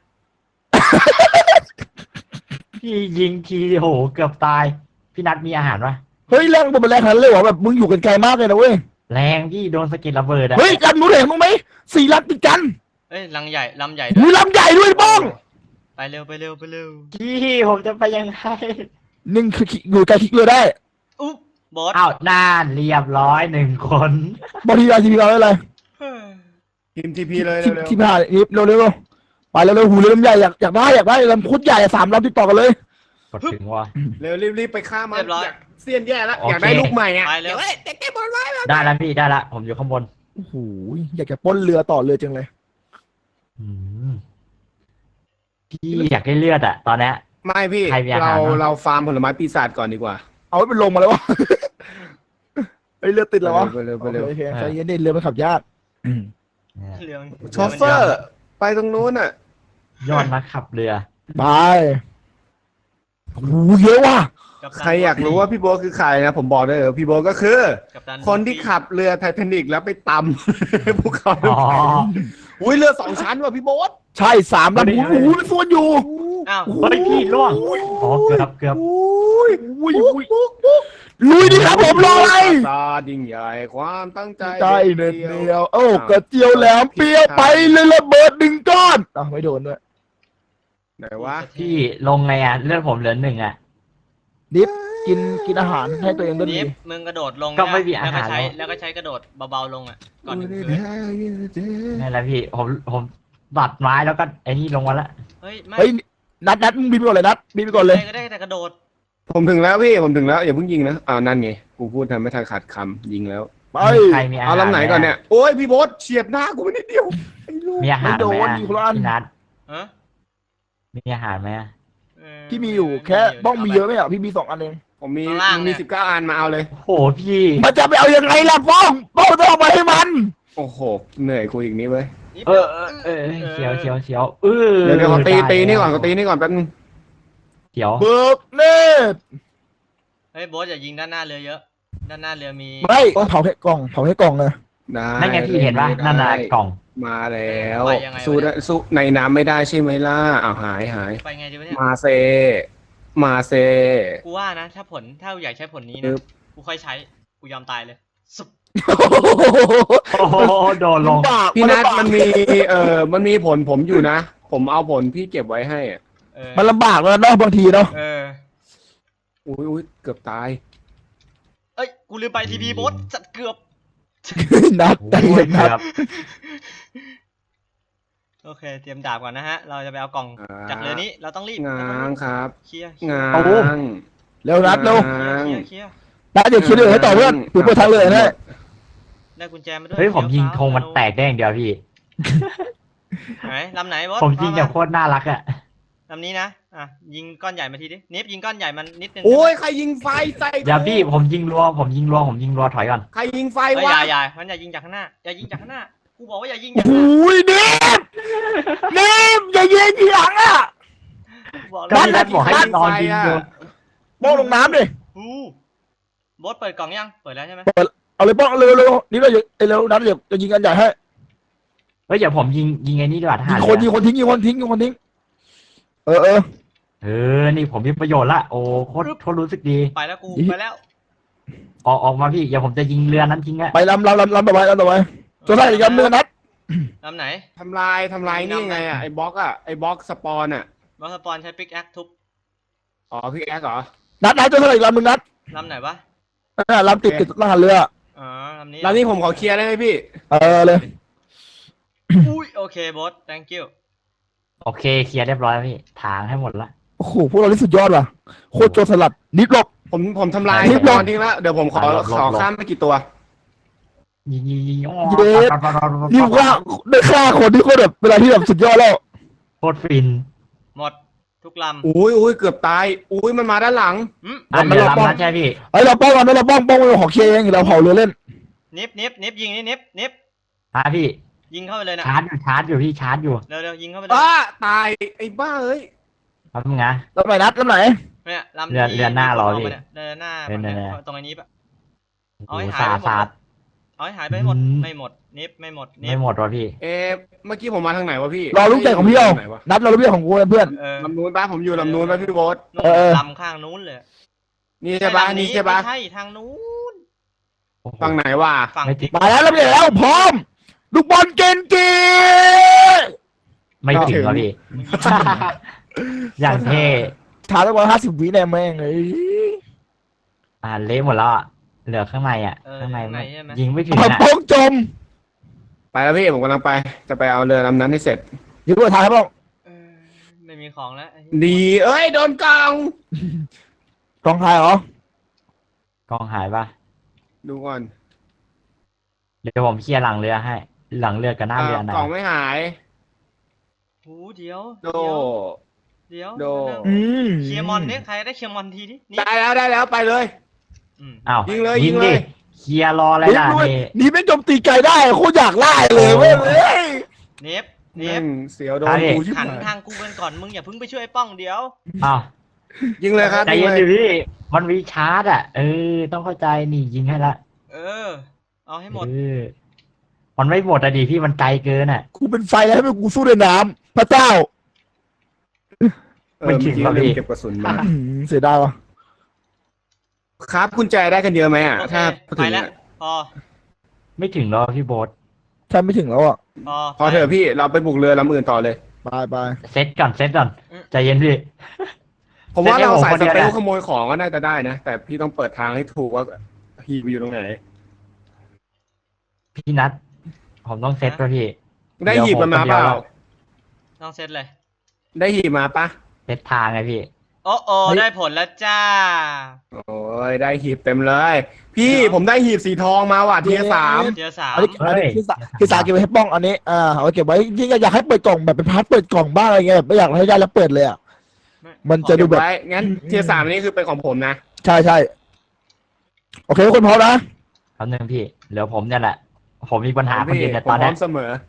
Speaker 3: พี่ยิงทีโหเกือบตาย พี่นัทมีอาหารปะ
Speaker 1: เฮ้ยแรงบนมันแรงขนาดนั้นเลยเหรอแบบมึงอยู่กันไกลมากเลยนะเว้ย
Speaker 3: แรงพี่โดนสะเก็ดระเบิดอะ
Speaker 1: เฮ้ยลำนู้นเห็นมึงไหมสี่ลำติดกัน
Speaker 4: เอ้ยลังใหญ่ลำใหญ่ด้
Speaker 1: มี
Speaker 4: วย
Speaker 1: ลำใหญ่ด้วยป้อง
Speaker 4: ไปเร็วไปเร็วไปเร็ว
Speaker 3: พี่ผมจะไปยังไง
Speaker 1: หนึ่งคืออยู่ไกลคลิกเรือได้
Speaker 4: อุ๊บโบอส
Speaker 3: อ้าวน่านเรียบร้อยหนึ่งคน
Speaker 1: บางทีเราทีพีเราได้เลย
Speaker 4: เฮ้ย
Speaker 2: ทีมทีพีเลย
Speaker 1: ที
Speaker 2: เร็ว
Speaker 1: ทีผ่านนี่เร็วเร็วไปเร็วเร็วหูเรือลำใหญ่อยากอยากได้อยากได้ลำโคตรใหญ่อะสามลำติดต่อกันเลย
Speaker 3: กดถึงว่า
Speaker 2: ๆเร็วรีบๆไปฆ่ามันอยากเสี้ยนแย่แล้ว
Speaker 3: โอเค
Speaker 2: อยากได้ลูกใหม่อ่ะ
Speaker 4: ไปเร็ว
Speaker 2: เฮ้ยเด็กเก็บบอลไว้
Speaker 3: ได้แล้วพี่ได้ละผมอยู่ข้างบน
Speaker 1: โอ้โหอยากจะปล้นเรือต่อเรือจังเลย
Speaker 3: อืมพี่อยากได้เลือดอะตอนเนี้ย
Speaker 2: ไม่พี่
Speaker 3: ใครมีอาหาร
Speaker 2: เรา
Speaker 3: บ้าง
Speaker 2: เราฟาร์มผลไม้ปีศาจก่อนดีกว่า
Speaker 1: เอาไว้เป็นลมมาแล้ววะ ไอ้เรือติดแล้ววะ
Speaker 2: ไปเร็วไปเร็ว
Speaker 1: โอเคใจเย็นดิเรือมันขับยาก
Speaker 4: เรื่อง
Speaker 2: โชเฟอร์ ไปตรงนู้นอ่ะ
Speaker 3: ยอดนักขับเรือ
Speaker 1: ไปโอ้โหเยอะว่ะ
Speaker 4: กัปตัน
Speaker 2: ใครอยากรู้ว่าพี่โบทคือใครนะผมบอกได้เลยพี่โบทก็คือ
Speaker 4: กัปตัน
Speaker 2: คนที่ขับเรือไททานิกแล้วไปตำ ภูเขา
Speaker 3: อ๋อ
Speaker 2: อุ้ยเรือสองชั้นว่ะพี่โบท
Speaker 1: ใช่สามลำโอ้โหมันส่วนอยู่
Speaker 4: อ้าว
Speaker 3: เฮ้ยพี่ล่วงอ๋อเกือบเกือบ
Speaker 2: อุ้ย
Speaker 1: อุ้ยอุ้ยลุยดิครับผมรออะไร
Speaker 2: ตาดิ่งใหญ่ความตั้งใจ
Speaker 1: ใจเด็ดเดียวโอ้กระเจียวแหลมเปรี้ยวไปเลยระเบิดหนึ่งก้อนอ่ะไม่โดนด้วย
Speaker 2: ไหนวะ
Speaker 3: พี่ลงไงอะเลือดผมเหลือหนึ่งอะ
Speaker 1: ดิฟกินกินอาหารให้ตัวเองด้วย
Speaker 4: นิ
Speaker 1: ดี
Speaker 4: ฟมึงกระโดดลง
Speaker 3: ก็ไม่
Speaker 4: นะ
Speaker 3: มีอา
Speaker 4: แล้วก็
Speaker 3: หาร
Speaker 4: ใช้
Speaker 3: แล้ว
Speaker 4: แล้วก็ใช้กระโดดเบาๆลงอ่ะก่อนถึงพื้น
Speaker 3: นี่นแหละพี่ผมผมตัดไม้แล้วก็ไอ้นี่ลงมาละ
Speaker 4: เฮ้ยไม่
Speaker 1: เฮ้ยนัดนัดมึงบินไปก่อนเลยนัดบินไปก่อนเลย
Speaker 4: ก็ได้แต่กระโดด
Speaker 2: ผมถึงแล้วพี่ผมถึงแล้วอย่าเพิ่งยิงนะอ้าวนั่นไงกูพูดทำไม่ทันขาดคำยิงแล้ว
Speaker 1: ไป
Speaker 3: ใครมีอาหาร
Speaker 2: เอาลำไหนก่อนเนี่ยโอ้ยพี่โบทเฉียดหน้ากูไปนิดเดียวไอ้ลูก
Speaker 3: มีอาหารไหม
Speaker 1: ไม่โดน
Speaker 3: อะ
Speaker 1: มีคนละอัน
Speaker 3: พี่นัท
Speaker 4: ฮะ
Speaker 3: มีอาหารไหมอะ
Speaker 4: เออ
Speaker 1: พี่มีอยู่แค่บ้องมีเยอะไหมอ่ะพี่มีสองอันเอง
Speaker 2: ผมมี
Speaker 4: ข้างล่าง
Speaker 2: มัน
Speaker 4: เนี่
Speaker 2: มี
Speaker 4: ย
Speaker 2: สิบเก้าอันมาเอาเลย
Speaker 3: โอ้โหพี่
Speaker 1: มันจะไปเอายังไงล่ะบ้องบ้องต้องเอามาให้มัน
Speaker 2: โอ้โหเหนื่อยคุยอีกนี้เว้ย
Speaker 4: นิฟ
Speaker 3: เออเออเออเสียวเสียวเสียวเออ
Speaker 2: เดี๋ยวเดี๋ยวขอตี
Speaker 3: ได้
Speaker 2: ตีนี่ก่อนขอตีนี่ก่อนแป๊บนึง
Speaker 3: เสียว
Speaker 1: เบิกเนตร
Speaker 4: เฮ้ยโบสอย่ายิงด้านหน้าเรือเยอะ ด้านหน้าเรือมี
Speaker 1: ไม่เผาแค่กล่องเผาแค่กล่องเลย
Speaker 2: ได้
Speaker 3: นั่นไงพี่เห็นปะนั่นน่ะกล่อง
Speaker 2: มาแล้ว
Speaker 4: ไปยังไงวะ
Speaker 2: สู้ได้สู้ในน้ำไม่ได้ใช่ไหมล่ะอ้าวหายหาย
Speaker 4: ไปไงดีวะเนี่ย
Speaker 2: มาเซ มาเซ
Speaker 4: กูว่านะ ถ้าผลถ้าอยากใช้ผลนี้
Speaker 2: ปึ๊
Speaker 4: นะ
Speaker 2: บ
Speaker 4: กูค่อยใช้กูยอมตายเลยสุบ
Speaker 3: โอ้โหโดนลง
Speaker 1: ลำบาก
Speaker 2: พี่นัท
Speaker 1: ลำบาก
Speaker 2: มันมีเอ่อมันมีผลผมอยู่นะ ผมเอาผลพี่เก็บไว้ให้อะ
Speaker 4: เออ
Speaker 1: มันลำบากแล้วเนาะบางทีเนาะ
Speaker 4: เออ
Speaker 2: อุ้ยอุ้ยเกือบตาย
Speaker 4: เอ้ยกูลืมไปทีพีโบสจัดเกือบ
Speaker 1: นัดใจ
Speaker 3: โอ้
Speaker 1: เย็
Speaker 3: ย
Speaker 1: นนัด
Speaker 3: เกือบ
Speaker 4: โอเค เตรียมดาบก่อนนะฮะ เราจะไปเอากล่อง
Speaker 2: อ่า
Speaker 4: จากเรือนี้เราต้องรีบ
Speaker 2: ง้างครับ
Speaker 4: เคลียร์
Speaker 2: ง้าง
Speaker 1: เร็วนัดเร็ว
Speaker 2: ง้าง
Speaker 4: เคลียร์เคลียร์
Speaker 1: นัดเดี๋ยวคิดเลยให้ต่อเพื่อนถือเปิดทางเลยนะ
Speaker 4: ได้กุญแจมาด้วย
Speaker 3: เฮ้ยผมยิง
Speaker 4: เฟี้
Speaker 3: ธงมันแตกได้อย่างเดียวพี่
Speaker 4: ไหนลำไหนโบส
Speaker 3: ผมยิง
Speaker 4: ว่า
Speaker 3: แบบโคตรน่ารักอะ
Speaker 4: ลำนี้นะอ่ะยิงก้อนใหญ่มาทีดินิฟยิงก้อนใหญ่มันนิดนึง
Speaker 2: โอ้ยใครยิงไฟใส่
Speaker 3: อย่าพี่ผมยิงรัวผมยิงรัวผมยิงรัวถอยก่อน
Speaker 2: ใครยิงไฟ
Speaker 4: เฮ้ยว
Speaker 2: ะ
Speaker 4: อย่าอย่ามันอย่ายิงจากข้างหน้าอย่ายิงจากข้างหน้ากูบอกว่าอย่ายิง
Speaker 1: โอ้
Speaker 4: จาก
Speaker 1: โห
Speaker 4: ข้างหน้า
Speaker 1: เนมเนมอย่าเย็นทีหลังอ่ะ
Speaker 4: กูบอก
Speaker 3: ก็
Speaker 4: แล้ว
Speaker 3: พี่นัทบอกให้นอนยิงอยู่
Speaker 1: บ้องลงน้ำดิ
Speaker 4: อู้โบสเปิดกล่องยังเปิดแล้วใช่ไหม
Speaker 1: เอาเลยบ้องเร็วเร็วนี่เราจะเร็วนัดเดี๋ยวจะยิงกันใหญ่ให้
Speaker 3: เฮ้ยเดี๋ยวผมยิงยิงไอ้นี่ดีกว่าท
Speaker 1: ยิ
Speaker 3: หาง ร
Speaker 1: คนยิ
Speaker 3: เรื
Speaker 1: ง
Speaker 3: อ
Speaker 1: คนทิ้งยิงคนทิ้งยิงคนทิ้งเออเออ
Speaker 3: เออนี่ผมมีประโยชน์ละโอ้โคตรโคตรรู้สึกดี
Speaker 4: ไปแล้วกู
Speaker 1: อี
Speaker 4: ไปแล้ว
Speaker 3: ออกออกมาพี่เดี๋ยวผมจะยิงเรือนั้นทิ้งอะ
Speaker 1: ไปลำลำลำลำต่อไปลำต่อไปตัวได้อีกลำหนึ่งนัด
Speaker 4: ลำไหน
Speaker 2: ทำลายทำลายนี่ไงอ่ะไอ้บล็อกอ่ะไอ้บล็อกสปอนอ่ะ
Speaker 4: บอสสปอนใช้ปิกแอคทุบ
Speaker 2: อ๋อพี่แอ๊กเหรอ
Speaker 1: นัดนัดตัวเท่าไหร่อีกลำหนึ่งนัด
Speaker 4: ลำไหนวะ
Speaker 1: น่ะลำติดติดทหารเรือ
Speaker 4: อ๋อลำนี้
Speaker 2: แล้วนี่ผมขอเคลียร์ได้ไหมพี่
Speaker 1: เออเลย
Speaker 4: อุ้ยโอเคบอส thank you
Speaker 3: โอเคเคลียร์เรียบร้อยแล้วพี่ถางให้หมดละ
Speaker 1: โอ้โหพวกเราที่สุดยอดว่ะโคตรโจรสลัดนิดหลบ
Speaker 2: ผมผมทำลาย
Speaker 1: รีบลง
Speaker 2: นอนทิ้งแล้วเดี๋ยวผมขอขอข้ามไปกี่ตัว
Speaker 3: ยิงยิงยิงอ๋อ
Speaker 1: เย็ด นี่ว่าได้ฆ่าคนที่โคตรแบบเวลาที่แบบสุดยอดแล้ว
Speaker 3: โคตรฟิน
Speaker 4: หมดทุกลำ
Speaker 2: อุ้ยอุ้ยเกือบตาย อุ้ยมันมาด้านหลัง
Speaker 4: อืม
Speaker 3: อันเดียวลำนั้นใช่พี่
Speaker 1: ไอ้ยเราป้องกันนะเราป้องป้องของเคเองเราเผาเรือเล่น
Speaker 4: นิบนิบนิบยิงนี่นิบนิบ
Speaker 3: มาพี่
Speaker 4: ยิงเข้าไปเลยนะ
Speaker 3: ชาร์จอยู่ชาร์จอยู่พี่ชาร์จอยู่
Speaker 4: เร็วเร็วยิงเข้าไปเลย
Speaker 2: อ้าตายไอ้บ้าเอ้ย
Speaker 3: แป๊บนึงนะ
Speaker 1: ลำไหนนัดลำไหน
Speaker 4: เนี่ยลำ
Speaker 3: เรือ
Speaker 4: ที่
Speaker 3: เรือหน้าเรา
Speaker 4: ที่
Speaker 3: พี่
Speaker 4: เนี่ยเรือหน้า
Speaker 3: เรือหน้า
Speaker 4: ตรงไอ้นี้ปะ
Speaker 3: โอ้
Speaker 4: เอาให้
Speaker 3: โห
Speaker 4: หาย
Speaker 3: สา
Speaker 4: ไปหมด
Speaker 3: สาด
Speaker 4: เอาให้หายไปให้หมด
Speaker 3: อืม
Speaker 4: ไม่หมดนิบไม่หมดนิ
Speaker 3: ไม่
Speaker 4: บ
Speaker 3: หมดวะพี่
Speaker 2: เอ๊ะเมื่อกี้ผมมาทางไหนวะพี่
Speaker 1: รอลูกใจของพี่เอา
Speaker 2: ไหนวะ
Speaker 1: นัดเราลูกใจของกูเพื่อน
Speaker 4: เออ
Speaker 2: ลำนู้นป้าผมอยู่ลำนู้นป้าพี่โบ๊ท
Speaker 4: นู่น
Speaker 1: เออ
Speaker 4: ลำข้างนู้นเลย
Speaker 2: นี่ใช่ปะ
Speaker 4: ลำ
Speaker 2: นี่ใช่ปะ
Speaker 4: ไม่ใช่ทางนู้น
Speaker 3: โอ้โห
Speaker 2: ฝั่งไหนวะ
Speaker 4: ฝั่ง
Speaker 3: ไม่ติด
Speaker 1: ๆมาแล้วลำใหญ่แล้วพร้อมลูกบอลเกนกี
Speaker 3: ไม่ถึงวะพี่ อย่างเท่
Speaker 1: ช้าตั้งวันห้าสิบวิแน่แม่งเลย
Speaker 3: อ่าเละหมดแล้วอะเหลือข้างในอ่ะ
Speaker 4: เออ
Speaker 3: ข้างใน
Speaker 4: ข้างใน
Speaker 3: ไม่
Speaker 4: ใช่ไหม
Speaker 3: ยิงไม่ถึง
Speaker 1: เอา
Speaker 3: อ่ะ
Speaker 1: ป้องจม
Speaker 2: ไปแล้วพี่ผมกำลังไป จะไปเอาเรือลำนั้นให้เสร็จ
Speaker 1: อยู่ด้วยทางให้ป้อง
Speaker 4: เออไม่มีของแล้วไอ้
Speaker 2: ดี เอ้ยโดนกอง
Speaker 1: กองทายเหรอก
Speaker 3: องหายปะ
Speaker 2: ดูก่อน
Speaker 3: เดี๋ยวผมเคลียร์หลังเรือให้ หลังเรือกับหน้าเรือไหน
Speaker 2: กล่องไม่หาย
Speaker 4: หูเดี๋ยว
Speaker 2: โด
Speaker 4: เดี๋ยว
Speaker 2: โด
Speaker 4: เดี๋ยว
Speaker 1: อืม
Speaker 4: เคลียร์มอนเนี่ยใครได้เคลียร์มอนทีนี้นี่
Speaker 2: ได้แล้วได้แล้วไปเลย
Speaker 4: อืม
Speaker 3: อ้าว
Speaker 2: ยิงเลย
Speaker 3: ยิ
Speaker 2: ยิ
Speaker 3: ง
Speaker 2: งเล
Speaker 3: ดิ
Speaker 2: ย
Speaker 3: เคลียร์รออะไร
Speaker 1: นี่
Speaker 3: ล่ะ
Speaker 1: ด้วย
Speaker 3: นี่
Speaker 1: นี่ไม่โจมตีไกลได้โคตรอยากไล่เลยเว้ยเว้ย
Speaker 4: เนฟเน
Speaker 2: นี่
Speaker 4: ฟ
Speaker 2: เสียวโดนกูชิบ
Speaker 4: หัน
Speaker 2: หาย
Speaker 4: ทางกูกันก่อนมึงอย่าเพิ่งไปช่วยไอ้ป้องเดี๋ยว
Speaker 3: อ้าว
Speaker 2: ยิงเลยครับ
Speaker 3: ใจ
Speaker 2: ยิง
Speaker 3: เย็น
Speaker 2: เลย
Speaker 3: ดิพี่ มันมีชาร์จอ่ะ เออ ต้องเข้าใจนี่ยิงให้ละ
Speaker 4: เออ เอาให้หมด
Speaker 3: เออมันไม่หมดอะดิพี่มันไกลเกินอ่ะ
Speaker 1: กูเป็นไฟแล้วให้กูสู้ในน้ำพระเจ้า
Speaker 2: เออเมื่อกี้ลืมเก็บกระสุนมา
Speaker 1: อืมเสียดายวะ
Speaker 2: ครับกุญแจได้กันเยอะไหมอ่ะ
Speaker 4: โอเค
Speaker 2: ถ้าพูด
Speaker 4: ไป
Speaker 2: ถึง
Speaker 4: แล้ว
Speaker 2: อะ
Speaker 4: พอ
Speaker 3: ไม่ถึงหรอกพี่โบ๊ท
Speaker 1: ใช่ไม่ถึงแล้วอ่ะ
Speaker 4: พอ
Speaker 2: พอเถอะพี่เราไปบุกเรือลำอื่นต่อเลย
Speaker 1: ไปไป
Speaker 3: เซตก่อนเซตก่อนใจเย็นพี่
Speaker 2: ผมว่า
Speaker 3: เดี๋ยว
Speaker 2: เราใส่
Speaker 3: ผมคน
Speaker 2: ส
Speaker 3: เดียว
Speaker 2: เปล
Speaker 3: นะ
Speaker 2: ขโมยของก็น่าจะได้นะ แต่พี่ต้องเปิดทางให้ถูกว่าฮีบอยู่ตรงไหน
Speaker 3: พี่นัทผมต้องเซตป่ะพี่
Speaker 2: ได้หีบมันมาเปล่า
Speaker 4: ต้องเซตเลย
Speaker 2: ได้หีบมาปะ
Speaker 3: เซตทางไงพี่
Speaker 4: โอ้โอได้ผลแล้วจ้า
Speaker 2: โอ้ยได้หีบเต็มเลย พี่ผมได้หีบสีทองมาว่ะเทียสาม
Speaker 4: เทียร์สาม
Speaker 1: อันนี้อันนี้
Speaker 3: เฮ้ย
Speaker 1: ที่สาที่สาเก็บไว้ให้ป้องอันนี้อ่าเอาไว้เก็บไว้ที่อยากให้เปิดกล่องแบบเป็นพาร์ทเปิดกล่องบ้างอะไรเงี้ยไม่อยากให้ได้แล้วเปิดเลยอ่ะ มันจะ
Speaker 2: เก็บไว้งั้นเทียสามนี่คือเป็นของผมนะ
Speaker 1: ใช่ใช่โอเคทุกคนพร้อมนะ
Speaker 3: คำหนึ่งพี่เหลือผมเนี่ยแหละ ผมมีปัญหาคนเดียวเนี่ย
Speaker 2: ผม
Speaker 3: ตอน
Speaker 2: พร้
Speaker 3: เนี้
Speaker 2: อย มเสมอ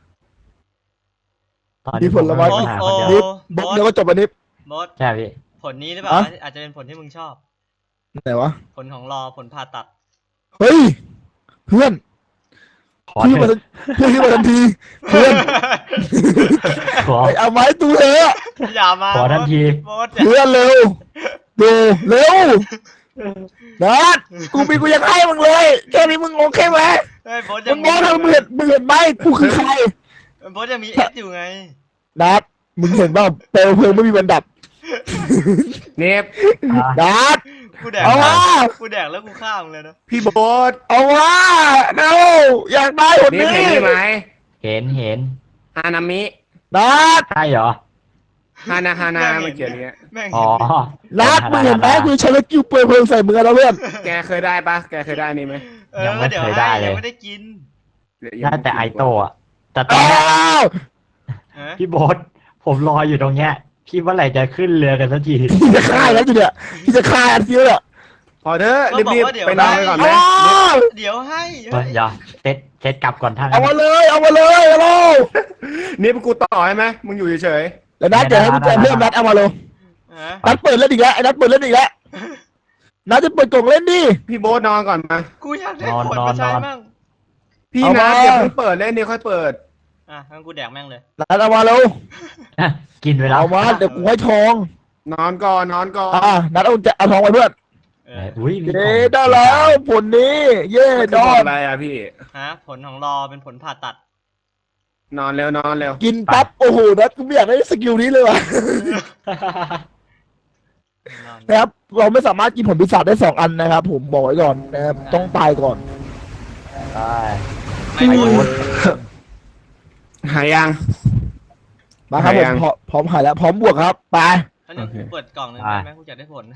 Speaker 3: ตอนนี้ผมมีปัญหาคนเดียว
Speaker 1: นิดบดเดี๋ยวก็จบอันนี้
Speaker 4: บอส
Speaker 3: ใช่พี่
Speaker 4: ผลนี้หรือเปล่า
Speaker 1: อะ
Speaker 4: อาจจะเป็นผลที่มึงชอบ
Speaker 1: ไหนวะ
Speaker 4: ผลของรอผลผ่าตัด
Speaker 1: เฮ้ยเพื่อน
Speaker 3: ขอ
Speaker 1: พี่
Speaker 3: เถ
Speaker 1: มา
Speaker 3: อะ
Speaker 1: เพื่อนพี่มาทันทีเพื่อน
Speaker 3: ขอ
Speaker 1: ไปเอาไม้ตูเถอะ
Speaker 4: อย่ามา
Speaker 3: ขอทันที
Speaker 4: บอสอย่า
Speaker 1: เพื่อนเร็วดูเร็วนัดกูมีกูยังให้มึงเลยแค่นี้มึงโอเคไหม
Speaker 4: เฮ้ยบอส
Speaker 1: มึ
Speaker 4: ยัง
Speaker 1: งมองทางมึงเห็นมึงเห็นไหมกูคือใคร
Speaker 4: บอสยังมีเอสอยู่ไง
Speaker 1: นัดมึงเห็นเปล่าเปลวเพลิงไม่มีวันดับ
Speaker 2: เนฟ
Speaker 3: อ่ะ
Speaker 1: นัด
Speaker 4: กูแดก
Speaker 1: เอาวะ
Speaker 4: กูแดกแล้วกูฆ่ามึงเลยนะ
Speaker 2: พี่โบ๊ท
Speaker 1: เอาวะเร็วอยากได้คน
Speaker 2: เนฟ
Speaker 1: นี้
Speaker 2: เห็นนี่ไหม
Speaker 3: เห็นเห็น
Speaker 2: ฮานามิ
Speaker 1: นัด
Speaker 3: ใช่เหรอ
Speaker 2: ฮานาฮานาเมื่อกี้เนี้ย
Speaker 4: แม่ง
Speaker 3: อ๋อ
Speaker 1: นัดมึงเห็นไหมกูใช้สกิลเปลวเพลิงใส่มือแล้วเพื่อน
Speaker 2: แกเคยได้ปะแกเคยได้นี่ไหม
Speaker 4: เออ
Speaker 3: ยังไม่
Speaker 4: เดี๋ยว
Speaker 3: เคยได้
Speaker 4: ให้
Speaker 3: เลย
Speaker 4: ยังไม่ได้กิน
Speaker 3: น่าแต่ไอโตะอะแต่ตอน
Speaker 1: อ้า
Speaker 3: เนี้ยว
Speaker 4: เออ
Speaker 3: พี่โบ๊ทผมรออยู่ตรงเนี้ยพี่เมื่อไหร่จะขึ้นเรือกันสักที
Speaker 1: พี่จะฆ่าแล้วจุดเนี่ยพี่จะฆ่าอันเดียวเนี่ย
Speaker 2: พอเถอะรีบๆไปนอนไปก่อนไหม
Speaker 1: อ้าว
Speaker 4: เดี๋ยวให้
Speaker 3: เฮ้ยเดี๋ยวเซตเซตกลับก่อนท่าน
Speaker 1: เอามาเลยเอามาเลยเอาเลย
Speaker 2: นี่เป็นกูต่อให้ไหมมึงอยู่เฉย
Speaker 1: แล้วนัดเดี๋ยวให้กุญแจเพิ่มนัดเอามาเลย
Speaker 4: เออ
Speaker 1: นัดเปิดเล่นอีกแล้วไอ้นัดเปิดเล่นอีกแล้วนัดจะเปิดกล่องเล่นดิ
Speaker 2: ๆพี่โบ๊ทนอนก่อนมา
Speaker 4: กูอยากได้ผลมาใช้มั่ง
Speaker 2: พี่
Speaker 1: เอา
Speaker 2: นะ
Speaker 1: มา
Speaker 2: อย่าเพิ่งเปิดเล่นนี่ค่อยเปิด
Speaker 4: อ่ะงั้นกูแดกแม่งเลย
Speaker 1: นัดเอามาเร็ว
Speaker 3: กินไปแล้ว
Speaker 1: เอามาเดี๋ยวกูให้ทอง
Speaker 2: นอนก่อนนอนก่อน
Speaker 1: อ่านัดเอาจะเอาทองไปเพื่อน
Speaker 4: เอ
Speaker 3: เอ
Speaker 4: อ
Speaker 3: ออุ้ยมี
Speaker 1: เย้ได้แล้วผลนี้ เย้
Speaker 2: มัน
Speaker 1: ด
Speaker 2: คือ
Speaker 1: อ
Speaker 2: ผล
Speaker 1: น
Speaker 2: อะไรอ่ะพี่
Speaker 4: ฮะผลของรอเป็นผลผ่าตัด
Speaker 2: นอนเร็วนอนเร็ว
Speaker 1: กินปั๊บโอ้โหนัดกูไม่อยากได้สกิลนี้เลยว่ะ
Speaker 4: นอน
Speaker 1: นะครับ เราไม่สามารถกินผลปีศาจได้สองอันนะครับ ผมบอกไว้ก่อนนะครับต้องตายก่อน
Speaker 3: ได้
Speaker 4: ไม่หมด
Speaker 2: หายยัง
Speaker 1: มาครับผ
Speaker 2: หายยั
Speaker 1: ม
Speaker 2: ง
Speaker 1: พร้อมพร้อมหายแล้วพร้อมบวกครับไป
Speaker 4: อันนี้
Speaker 2: โอเค
Speaker 4: กูเปิดกล่องหนึ่งได้ไหมกูจะได้ผล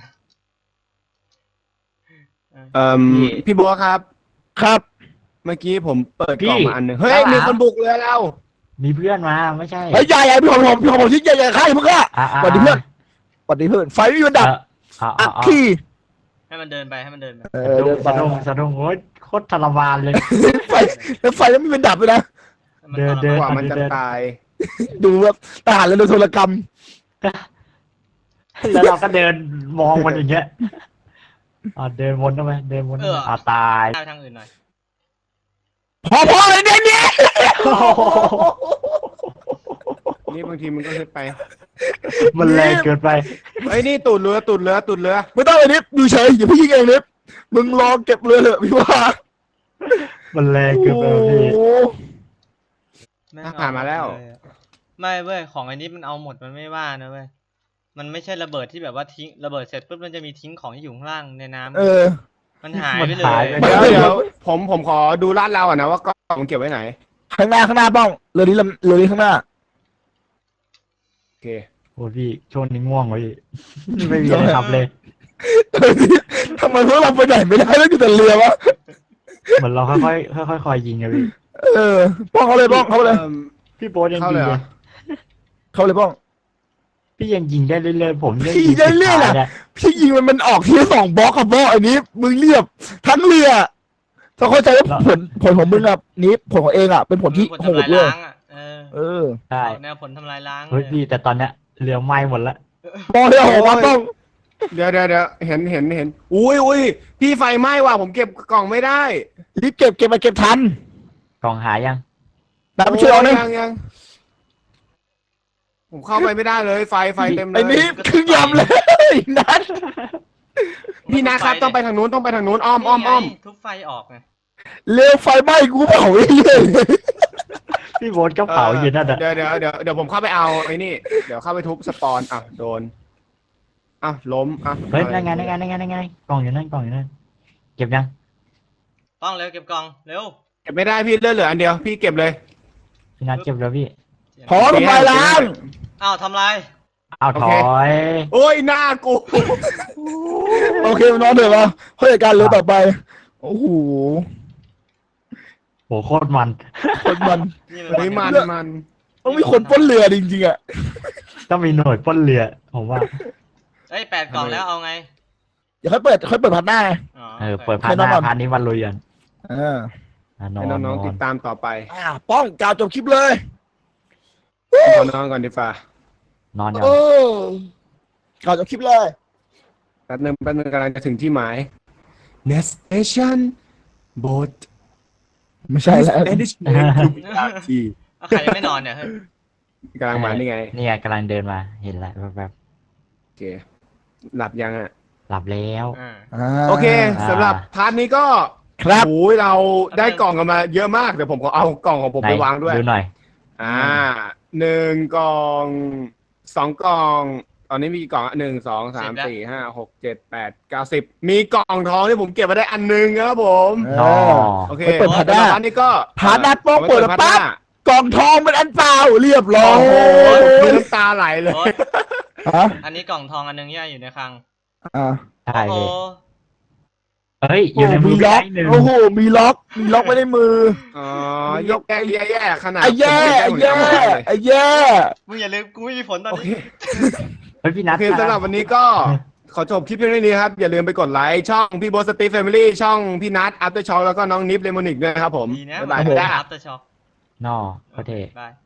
Speaker 2: เอ่อพี่บัวครับ
Speaker 1: ครับ
Speaker 2: เมื่อกี้ผมเปิดกล่องมาอันหนึ่งเฮ้ยมีคนบุกเรือเรา
Speaker 3: มีเพื่อนมาไม่ใช่
Speaker 1: เฮ้ยใหญ่ใหญ่พี่ผมผมพี่ผมชิ้นใหญ่ใหญ่ข้าอย่าเพิ่งฆ่า
Speaker 3: อ่ะอ่ะ
Speaker 1: สวัสดีเพื่อนสวัสดีเพื่อนไฟไม่มีวันดับ
Speaker 3: เอ่อ
Speaker 1: อั
Speaker 3: อ่ะ
Speaker 1: ก
Speaker 3: อ่ะ
Speaker 1: ขี้
Speaker 4: ให้มันเดินไปให้มันเดินไป
Speaker 1: เอ
Speaker 3: อ่ะ
Speaker 1: อเดินไป
Speaker 3: สะดุ้งสะดุ้งโอ้ยโคตรทรมานเลย
Speaker 1: ไฟแล้วไฟแล้วไม่เป็นดับเลยนะ
Speaker 4: ให้มัน
Speaker 3: เดิน
Speaker 4: ทร
Speaker 3: เดิ
Speaker 2: กว่ามันจะตาย
Speaker 1: ดูแบบทหารเลยโดนโทรกรรม
Speaker 3: แล้วเราก็เดินมองมันอย่างเงี้ยอ่ะเดินวนเข้าไปเดินวนเข้าไปอ่ะตาย
Speaker 4: ไปทางอื่นหน่อย
Speaker 1: พอพอเลยเนี่ยเนี่ย
Speaker 2: นี่บางทีมันก็ขึ้นไป
Speaker 3: มันแรงเกินไป
Speaker 2: เฮ้ยนี่ตูดเรือตูดเรือตูดเรือ
Speaker 1: ไม่ต้องเลยนิดดูเฉยอย่าพี่ยิงเองนิดมึงรอเก็บเรือเถอะพี่ว่า
Speaker 3: มันแรงเกินไปพี่
Speaker 1: โอ้
Speaker 4: แม่ง
Speaker 2: อ่ะผ่านมาแล้ว
Speaker 4: เอเลยอะไม่เว้ยของไอ้นี้มันเอาหมดมันไม่ว่านะเว้ยมันไม่ใช่ระเบิดที่แบบว่าทิ้งระเบิดเสร็จปุ๊บมันจะมีทิ้งของที่อยู่ข้างล่างในน้ำ
Speaker 1: เออ
Speaker 4: มันหายไปเล
Speaker 3: มันหาย
Speaker 4: ย
Speaker 3: ไป
Speaker 2: เดี๋ยวเดี๋ยวผมผมขอดูลาดเราอ่ะนะว่ากล่องมันเก็บไว้ไหน
Speaker 1: ข้างหน้าข้างหน้าป้องเรือนี้ลำเรือนี้ข้างหน้า
Speaker 2: โอเค
Speaker 3: โอ้พี่ช่วงนี้ง่วงวะพี่ไม่มีอะไรทำเลย
Speaker 1: ทำไมพวกเราไปไหนไม่ได้แล้วอยู่แต่เรือวะ
Speaker 3: เหมือนเราค่อยๆค่อยๆคอยยิงอะพี่
Speaker 1: เออป้องเขาเลยป้องเขาเลย
Speaker 2: อิ่ม
Speaker 3: พี่โบ๊ทยัง
Speaker 2: เข้า
Speaker 3: ยิ
Speaker 2: เล
Speaker 3: ง
Speaker 2: ยเหร
Speaker 3: เล
Speaker 2: อย
Speaker 1: เขาเลยป้อง
Speaker 3: พี่ยังยิงได้เรื่อยๆผมยัง
Speaker 1: พี่
Speaker 3: ยิง
Speaker 1: ได้เรื่อยๆ
Speaker 3: สุ
Speaker 1: น่ะ
Speaker 3: ท้านี่
Speaker 1: พี่ยิงมันมันออกทีละสองบล็อกครับพ่ออันนี้มึงเรียบทั้งเรือถ้าเข้าใจว่าผลผลของมึงอ่ะนี้ผลของเองอ่ะเป็นผลที่
Speaker 4: ผล
Speaker 1: โห
Speaker 4: ทำ
Speaker 1: ด
Speaker 4: ลาย
Speaker 1: เลย
Speaker 4: ล้างอ่ะเออ
Speaker 1: เออ
Speaker 3: ใช่
Speaker 4: แนวผลทำลายล้าง
Speaker 3: เฮ้ย
Speaker 4: เลย
Speaker 3: พี่แต่ตอนเนี้ยเรือไหม้หมดละ
Speaker 1: ป้องเรือโหมาป้อง
Speaker 2: เดี๋ยวเดี๋ยวเดี๋ยวเห็นเห็นเห็นอุ้ยอุ้ยพี่ไฟไหม้ว่ะผมเก็บกล่องไม่ได้
Speaker 1: รีบเก็บเก็บมาเก็บทัน
Speaker 3: กล่องหายยัง
Speaker 1: นะไปช่วยเรา
Speaker 2: โอ้
Speaker 1: นะ
Speaker 2: ยังยังผมเข้าไปไม่ได้เลยไฟไฟเต็มเล
Speaker 1: ไอ้
Speaker 2: ย
Speaker 1: นี่คือยำเลยนัด
Speaker 2: พี่นะครับต้องไปทางนู้นต้องไปทางนู้นอ้อมอ้อมอ้อม
Speaker 4: นี่ไงทุบไฟออกไง
Speaker 1: เร็วไฟไหม้กูเผาเรื่อย
Speaker 3: พี่โบ๊ทก็เผาอยู่นั่นอะ
Speaker 2: เดี๋ยวเดี๋ยวเดี๋ยวเดี๋ยวผมเข้าไปเอาไอ้นี่เดี๋ยวเข้าไปทุบสปอนอ่ะโดนอ่ะล้มอ่ะ
Speaker 3: เฮ้ยนั่นไงนั่นไงนั่นไงนั่นไงกล่องอยู่นั่นกล่องอยู่นั่นเก็บยัง
Speaker 4: ต้องเร็วเก็บกล่องเร็ว
Speaker 2: เก็บไม่ได้พี่เลือดเหลืออันเดียวพี่เก็บเลย
Speaker 3: พี่นัทเก็บแล้วพี่
Speaker 1: ๆพอทำลายล้าง
Speaker 4: อ้าวทำลาย
Speaker 3: เอาถอย
Speaker 2: โอ้ยหน้ากู
Speaker 1: โอเคน้องเถอะวะเพื่อการเรือต่อไปโอ้โห
Speaker 3: โหโคตรมัน
Speaker 1: คนมัน
Speaker 4: นี่
Speaker 2: เฮ้ยมันมัน
Speaker 1: ต้องมีคนปล้นเรือจริงๆอ่ะ
Speaker 3: ต้องมีหน่วยปล้นเรือผมว่า
Speaker 4: เอ้ยแปดกล่องแล้วเอาไง
Speaker 1: อย่าค่อยเปิดค่อยเปิดพัดหน้า
Speaker 4: อ๋อ
Speaker 3: เออเปิดพาร์ทหน้า
Speaker 1: ให้น้องมัน
Speaker 3: พาร์ทนี้วันลุยกัน
Speaker 1: อ่า
Speaker 3: อ่ะนอ
Speaker 2: ให้
Speaker 3: นน
Speaker 2: น้องๆ
Speaker 3: อ
Speaker 2: ติ
Speaker 3: น
Speaker 2: ดตามต่อไป
Speaker 1: อ่าป้องกล่าวจบคลิปเลย
Speaker 2: ขอนอนก่อนดีฟ้าน
Speaker 3: อนก่อน
Speaker 1: เออกล่าวจบคลิปเลย
Speaker 2: แป๊บนึงแป๊บนึงกำลังจะถึงที่หมาย Next station boat
Speaker 1: ไม่ใช่แล้ว
Speaker 2: Destination to Miyagi
Speaker 4: เอาใครยังไม่นอนเนี่ยเฮ้ย
Speaker 2: กำลังมานี่ไง
Speaker 3: เนี่ยกำลังเดินมาเห็นแล้วแบบ
Speaker 2: โอเค หลับยังอ่ะ
Speaker 3: ๆหลับแล้ว
Speaker 4: อ่า
Speaker 1: อ่า
Speaker 2: โอเค
Speaker 3: อ่า
Speaker 2: สำหรับพาร์ทนี้ก็
Speaker 1: ครับ
Speaker 2: โอ้ยเราได้กล่องกันมาเยอะมาก เดี๋ยวผมขอเอากล่องของผม
Speaker 3: ไหน
Speaker 2: ไปวางด้วย
Speaker 3: ดูหน่อย
Speaker 2: อ่าหนึ่งกล่องสองกล่อง ตอนนี้มีกี่กล่องหนึ่งสองสามสี่ห้าหกเจ็ดแปดเก้าสิบมีกล่องทองที่ผมเก็บมาได้อันหนึงครับผม
Speaker 1: เอ
Speaker 3: อ๋อ
Speaker 1: อ
Speaker 2: โอเค
Speaker 1: ไปเปิดพาร์ทหน้า
Speaker 2: สำหรับพาร์ทนี้ก็
Speaker 1: พาร์ทหน้าโป๊ะเปิดแล้ว
Speaker 2: อาไว้
Speaker 1: ปั๊บ
Speaker 2: พาร์ทหน้าก
Speaker 1: ล่องทองเป็นอันเปล่าเรียบร้อ
Speaker 2: โอ้
Speaker 1: ย
Speaker 2: โหมีน้ำตาไหลเลย
Speaker 4: โอ๊ย
Speaker 1: ฮะ
Speaker 4: อันนี้กล่องทองอันหนึงย่าอยู่ในคลัง
Speaker 1: อ่า
Speaker 3: ใช่
Speaker 4: โอ้โห
Speaker 3: เลยเฮ้ยอยู่ในมือ
Speaker 1: มี
Speaker 3: พี่
Speaker 1: ล็อก
Speaker 3: ไอ้หนึ่ง
Speaker 1: โอ้โหมีล็อกมีล็อกไว้ในมือ
Speaker 2: อ๋อยกแย่แย่แย่ขนาด
Speaker 1: ไอ้แย่ไอ้แย่ไอ้แย่
Speaker 4: มึงอย่าลืมกูไม่มีผลตอน
Speaker 2: โอเค
Speaker 4: นี้
Speaker 3: เฮ้ยพี่นั
Speaker 2: โอ
Speaker 3: ท
Speaker 2: เคสำหรับวันนี้ก็ขอจบคลิปเพียงเท่านี้ครับ อย่าลืมไปกดไลค์ช่องพี่โบสตีฟแฟมิลี่ช่องพี่นัทอัพเตอร์ช็อคแล้วก็น้องนิฟเลมอนิกด้วยนะครับผม
Speaker 4: ดีนะ
Speaker 2: บ๊ายบาย
Speaker 4: มัน
Speaker 2: จ้า
Speaker 4: อัพเตอร์ช็อคน
Speaker 3: อโอเค
Speaker 4: บาย